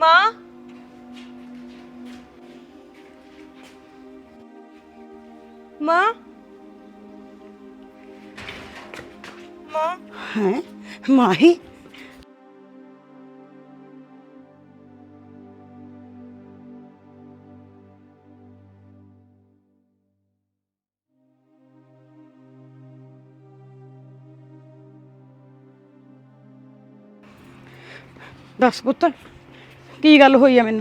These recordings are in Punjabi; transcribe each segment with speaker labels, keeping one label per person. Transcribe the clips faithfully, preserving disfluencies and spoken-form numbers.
Speaker 1: माँ माँ माँ
Speaker 2: हैं माही दस पुत्र की गल होई है मैनू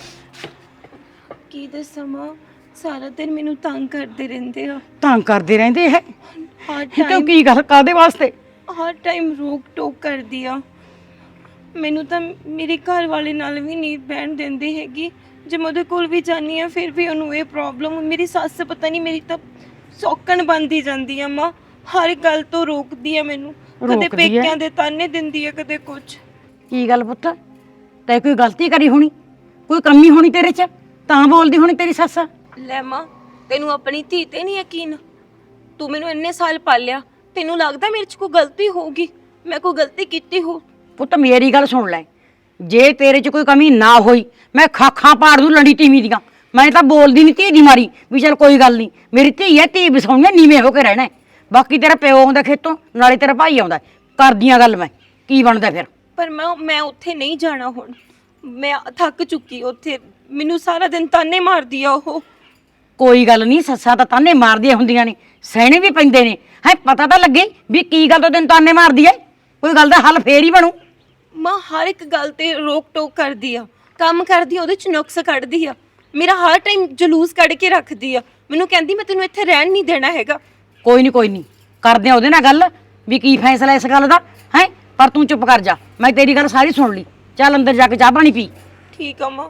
Speaker 1: की दसां माँ सारा दिन मैनू तंग करते रहंदे आ
Speaker 2: तंग करते रहंदे है
Speaker 1: हर
Speaker 2: क्यों
Speaker 1: टाइम
Speaker 2: की गल कादे वास्ते
Speaker 1: हर टाइम रोक टोक कर दिया मैनू तो मेरे घर वाले नाल भी नहीं बहन देंदे हैगी जे मैं उहदे कोल भी जानी आ फिर भी उन्होंने ये प्रॉब्लम मेरी सੱਸ पता नहीं मेरी तो सौकण बनती जाती है माँ हर गल तो रोकदी है मैनू कदे
Speaker 2: रोकदी है?
Speaker 1: पेकियां दे ताने दिंदी है कदे कुछ
Speaker 2: की गल पुत तै कोई गलती करी होनी कोई कमी होनी तेरे च तां बोलदी होनी तेरी सੱਸ
Speaker 1: ਲੈ ਮਾਂ ਤੈਨੂੰ ਆਪਣੀ ਧੀ ਤੇ ਨਹੀਂ ਯਕੀਨ ਤੂੰ ਮੈਨੂੰ ਇੰਨੇ ਸਾਲ ਪਾਲਿਆ ਤੈਨੂੰ ਲੱਗਦਾ ਮੇਰੇ 'ਚ ਕੋਈ ਗਲਤੀ ਹੋਊਗੀ ਮੈਂ ਕੋਈ ਗਲਤੀ ਕੀਤੀ ਹੋ
Speaker 2: ਪੁੱਤ ਮੇਰੀ ਗੱਲ ਸੁਣ ਲੈ ਜੇ ਤੇਰੇ 'ਚ ਕੋਈ ਕਮੀ ਨਾ ਹੋਈ ਮੈਂ ਖਾਖਾਂ ਪਾੜ ਦੂੰ ਲੰਡੀ ਟੀਵੀ ਦੀਆਂ ਮੈਂ ਤਾਂ ਬੋਲਦੀ ਨਹੀਂ ਧੀ ਦੀ ਮਾਰੀ ਵੀ ਚੱਲ ਕੋਈ ਗੱਲ ਨਹੀਂ ਮੇਰੀ ਧੀ ਹੈ ਧੀ ਵਸਾਉਣੀ ਹੈ ਨੀਵੇਂ ਹੋ ਕੇ ਰਹਿਣਾ ਹੈ। ਬਾਕੀ ਤੇਰਾ ਪਿਓ ਆਉਂਦਾ ਖੇਤੋਂ ਨਾਲੇ ਤੇਰਾ ਭਾਈ ਆਉਂਦਾ ਕਰਦੀਆਂ ਗੱਲ ਮੈਂ ਕੀ ਬਣਦਾ ਫਿਰ
Speaker 1: ਪਰ ਮੈਂ ਮੈਂ ਉੱਥੇ ਨਹੀਂ ਜਾਣਾ ਹੁਣ ਮੈਂ ਥੱਕ ਚੁੱਕੀ ਉੱਥੇ ਮੈਨੂੰ ਸਾਰਾ ਦਿਨ ਤਾਨੇ ਮਾਰਦੀ ਆ ਉਹ
Speaker 2: ਕੋਈ ਗੱਲ ਨਹੀਂ ਸੱਸਾਂ ਤਾਂ ਤਾਨੇ ਮਾਰਦੀਆਂ ਹੁੰਦੀਆਂ ਨੇ ਸਹਿਣੇ ਵੀ ਪੈਂਦੇ ਨੇ ਹੈ ਪਤਾ ਤਾਂ ਲੱਗੇ ਵੀ ਕੀ ਗੱਲ ਤੋਂ ਤੈਨੂੰ ਤਾਨੇ ਮਾਰਦੀ ਹੈ ਕੋਈ ਗੱਲ ਦਾ ਹੱਲ ਫੇਰ ਹੀ ਬਣੂ
Speaker 1: ਮਾਂ ਹਰ ਇੱਕ ਗੱਲ ਤੇ ਰੋਕ ਟੋਕ ਕਰਦੀ ਆ ਕੰਮ ਕਰਦੀ ਆ ਉਹਦੇ ਚ ਨੁਕਸ ਕੱਢਦੀ ਆ ਮੇਰਾ ਹਰ ਟਾਈਮ ਜਲੂਸ ਕੱਢ ਕੇ ਰੱਖਦੀ ਆ ਮੈਨੂੰ ਕਹਿੰਦੀ ਮੈਂ ਤੈਨੂੰ ਇੱਥੇ ਰਹਿਣ ਨਹੀਂ ਦੇਣਾ ਹੈਗਾ
Speaker 2: ਕੋਈ ਨਹੀਂ ਕੋਈ ਨਹੀਂ ਕਰਦੇ ਆ ਉਹਦੇ ਨਾਲ ਗੱਲ ਵੀ ਕੀ ਫੈਸਲਾ ਇਸ ਗੱਲ ਦਾ ਹੈ ਪਰ ਤੂੰ ਚੁੱਪ ਕਰ ਜਾ ਮੈਂ ਤੇਰੀ ਗੱਲ ਸਾਰੀ ਸੁਣ ਲਈ ਚੱਲ ਅੰਦਰ ਜਾ ਕੇ ਚਾਹ ਪਾਣੀ ਪੀ
Speaker 1: ਠੀਕ ਆ ਮਾਂ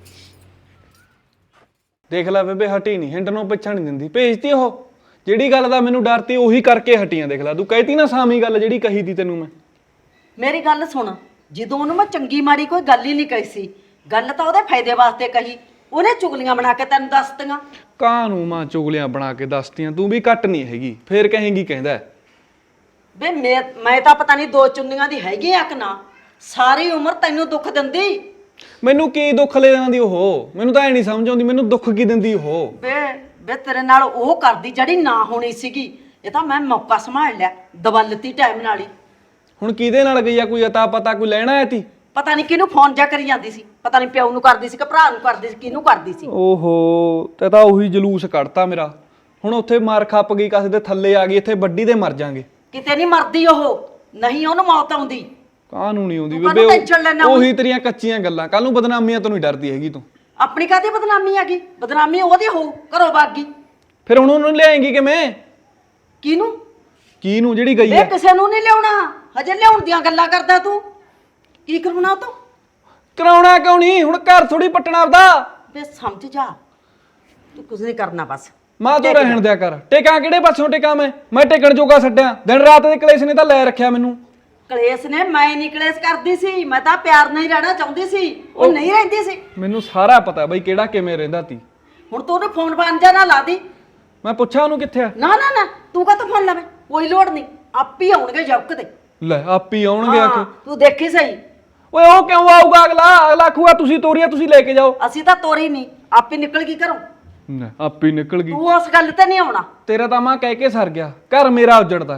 Speaker 3: ਦੇਖ ਲੈ ਬੇਬੇ ਹਟੀ ਨਹੀਂ ਹਿੰਡ ਨੂੰ ਪਿੱਛਾ ਨਹੀਂ ਦਿੰਦੀ ਭੇਜਤੀ ਉਹ ਜਿਹੜੀ ਗੱਲ ਦਾ ਮੈਨੂੰ ਡਰ ਤੀ ਉਹੀ ਕਰਕੇ ਹਟੀਆਂ ਦੇਖ ਲੈ ਤੂੰ ਕਹਿਤੀ ਨਾ ਸਾਮੀ ਗੱਲ ਜਿਹੜੀ ਕਹੀ ਤੀ ਤੈਨੂੰ ਮੈਂ
Speaker 4: ਮੇਰੀ ਗੱਲ ਸੁਣ ਜਦੋਂ ਉਹਨੂੰ ਮੈਂ ਚੰਗੀ ਮਾੜੀ ਕੋਈ ਗੱਲ ਹੀ ਨਹੀਂ ਕਹੀ ਸੀ ਗੱਲ ਤਾਂ ਉਹਦੇ ਫਾਇਦੇ ਵਾਸਤੇ ਕਹੀ ਉਹਨੇ ਚੁਗਲੀਆਂ ਬਣਾ ਕੇ ਤੈਨੂੰ ਦੱਸਤੀਆਂ
Speaker 3: ਕਾਂ ਨੂੰ ਮਾਂ ਚੁਗਲੀਆਂ ਬਣਾ ਕੇ ਦੱਸਤੀਆਂ ਤੂੰ ਵੀ ਘੱਟ ਨਹੀਂ ਹੈਗੀ ਫੇਰ ਕਹੇਂਗੀ ਕਹਿੰਦਾ
Speaker 4: ਵੇ ਮੈਂ ਮੈਂ ਤਾਂ ਪਤਾ ਨਹੀਂ ਦੋ ਚੁੰਨੀਆਂ ਦੀ ਹੈਗੀ ਆ ਕਿ ਨਾ ਸਾਰੀ ਉਮਰ ਤੈਨੂੰ ਦੁੱਖ ਦਿੰਦੀ
Speaker 3: ਮੈਨੂੰ ਕੀ ਦੁੱਖ ਲੈ ਜਾਂਦੀ ਉਹ ਮੈਨੂੰ ਤਾਂ ਐ ਨਹੀਂ ਸਮਝ ਆਉਂਦੀ ਮੈਨੂੰ ਦੁੱਖ ਕੀ ਦਿੰਦੀ ਉਹ
Speaker 4: ਵੇ ਵੇ ਤੇਰੇ ਨਾਲ ਉਹ ਕਰਦੀ ਜਿਹੜੀ ਨਾ ਹੋਣੀ ਸੀਗੀ ਇਹ ਤਾਂ ਮੈਂ ਮੌਕਾ ਸੰਭਾਲ ਲਿਆ ਦਵਲਤੀ ਟਾਈਮ ਨਾਲ ਹੀ
Speaker 3: ਹੁਣ ਕਿਹਦੇ ਨਾਲ ਗਈ ਆ ਕੋਈ ਅਤਾ ਪਤਾ ਕੋਈ ਲੈਣਾ ਆਇਆ ਤੀ
Speaker 4: ਪਤਾ ਨਹੀਂ ਕਿਹਨੂੰ ਫੋਨ ਜਾ ਕਰੀ ਜਾਂਦੀ ਸੀ ਪਤਾ ਨਹੀਂ ਪਿਓ ਨੂੰ ਕਰਦੀ ਸੀ ਕਿ ਭਰਾ ਨੂੰ ਕਰਦੀ ਸੀ ਕਿਹਨੂੰ ਕਰਦੀ ਸੀ
Speaker 3: ਓਹੋ ਤੇ ਤਾਂ ਉਹੀ ਜਲੂਸ ਕੱਢਤਾ ਮੇਰਾ ਹੁਣ ਉੱਥੇ ਮਾਰ ਖੱਪ ਗਈ ਕਿਸੇ ਦੇ ਥੱਲੇ ਆ ਗਈ ਇੱਥੇ ਵੱਡੀ ਦੇ ਮਰ ਜਾਾਂਗੇ
Speaker 4: ਕਿਤੇ ਨਹੀਂ ਮਰਦੀ ਉਹ ਨਹੀਂ ਉਹਨੂੰ ਮੌਤ ਆਉਂਦੀ
Speaker 3: ਕਾਹਨੂੰ ਨਹੀਂ ਆਉਂਦੀ
Speaker 4: ਤੂੰ ਕਾਹਨੂੰ
Speaker 3: ਬੇਬੇ
Speaker 4: tension ਲੈਨਾ
Speaker 3: ਉਹ-
Speaker 4: ਹੁਣ?
Speaker 3: ਉਹੀ ਤੇਰੀਆਂ ਕੱਚੀਆਂ ਗੱਲਾਂ ਕੱਲ ਨੂੰ ਬਦਨਾਮੀਆਂ ਤੋਂ ਨਹੀਂ ਡਰਦੀ ਹੈਗੀ ਤੂੰ
Speaker 4: ਆਪਣੀ ਕਾਹਦੀ ਬਦਨਾਮੀ ਆ ਗਈ ਬਦਨਾਮੀ ਉਹਦੀ ਹੋਊ ਘਰੋਂ ਭੱਗ ਗਈ
Speaker 3: ਫਿਰ ਹੁਣ ਉਹਨੂੰ ਲਿਆਏਂਗੀ ਕਿਵੇਂ
Speaker 4: ਕਿਹਨੂੰ
Speaker 3: ਕੀ ਨੂੰ ਜਿਹੜੀ ਗਈ
Speaker 4: ਵੇ
Speaker 3: ਆ
Speaker 4: ਕਿਸੇ ਨੂੰ ਨਹੀਂ ਲਿਆਉਣਾ ਹਜੇ ਲਿਆਉਣ ਦੀਆਂ ਗੱਲਾਂ ਕਰਦਾ ਤੂੰ ਕੀ ਕਰਉਣਾ ਤੂੰ
Speaker 3: ਕਰਾਉਣਾ ਕਿਉਂ ਨਹੀਂ ਹੁਣ ਘਰ ਥੋੜੀ ਪੱਟਣਾ ਆਪਦਾ
Speaker 4: ਵੇ ਸਮਝ ਜਾ ਤੂੰ ਕੁਝ ਨਹੀਂ ਕਰਨਾ ਬਸ
Speaker 3: ਮਾਂ ਤੂੰ ਰਹਿਣ ਦਿਆ ਕਰ ਟੇਕਾਂ ਕਿਹੜੇ ਪਾਸੋਂ ਟੇਕਾਂ ਮੈਂ ਮੈਂ ਟੇਕਣ ਜੋਗਾ ਛੱਡਿਆ ਦਿਨ ਰਾਤ ਦੇ ਕਲੇਸ਼ ਨੇ ਤਾਂ ਲੈ ਰੱਖਿਆ ਮੈਨੂੰ
Speaker 4: ਕਲੇਸ਼ ਨੇ ਮੈਂ ਨਹੀਂ ਕਲੇਸ਼ ਕਰਦੀ ਸੀ ਮੈਂ ਤਾਂ ਪਿਆਰ ਨਾਲ ਹੀ ਰਹਿਣਾ ਚਾਹੁੰਦੀ ਸੀ ਉਹ ਨਹੀਂ ਰਹਿੰਦੀ ਸੀ
Speaker 3: ਮੈਨੂੰ ਸਾਰਾ ਪਤਾ ਬਈ ਕਿਹੜਾ ਕਿਵੇਂ ਰਹਿੰਦਾ ਤੀ
Speaker 4: ਹੁਣ ਤੂੰ ਉਹਨੂੰ ਫੋਨ ਫਾਨ ਜਾ ਨਾ ਲਾ ਦੀ
Speaker 3: ਮੈਂ ਪੁੱਛਿਆ ਉਹਨੂੰ ਕਿੱਥੇ ਆ
Speaker 4: ਨਾ ਨਾ ਨਾ ਤੂੰ ਕਾਹਤੋਂ ਫੋਨ ਲਾਵੇਂ ਕੋਈ ਲੋੜ ਨਹੀਂ ਆਪ ਹੀ ਆਉਣਗੇ ਜੱਕ ਤੇ
Speaker 3: ਲੈ ਆਪੀ ਆਉਣਗੇ ਆ ਕੇ
Speaker 4: ਤੂੰ ਦੇਖੀ ਸਹੀ
Speaker 3: ਓਏ ਉਹ ਕਿਉਂ ਆਊਗਾ ਅਗਲਾ ਅਗਲਾ ਆਖੂਗਾ ਤੁਸੀਂ ਤੋਰੀਆ ਤੁਸੀਂ ਲੈ ਕੇ ਜਾਓ
Speaker 4: ਅਸੀਂ ਤਾਂ ਤੋਰੀ ਨਹੀਂ ਆਪ ਹੀ ਨਿਕਲ ਗਈ ਘਰੋਂ
Speaker 3: ਨਾ ਆਪੀ ਨਿਕਲ ਗਈ
Speaker 4: ਤੂੰ ਉਸ ਗੱਲ ਤੇ ਨਹੀਂ ਆਉਣਾ
Speaker 3: ਤੇਰਾ ਤਾਂ ਮਾਂ ਕਹਿ ਕੇ ਸਰ ਗਿਆ ਘਰ ਮੇਰਾ ਉਜੜਦਾ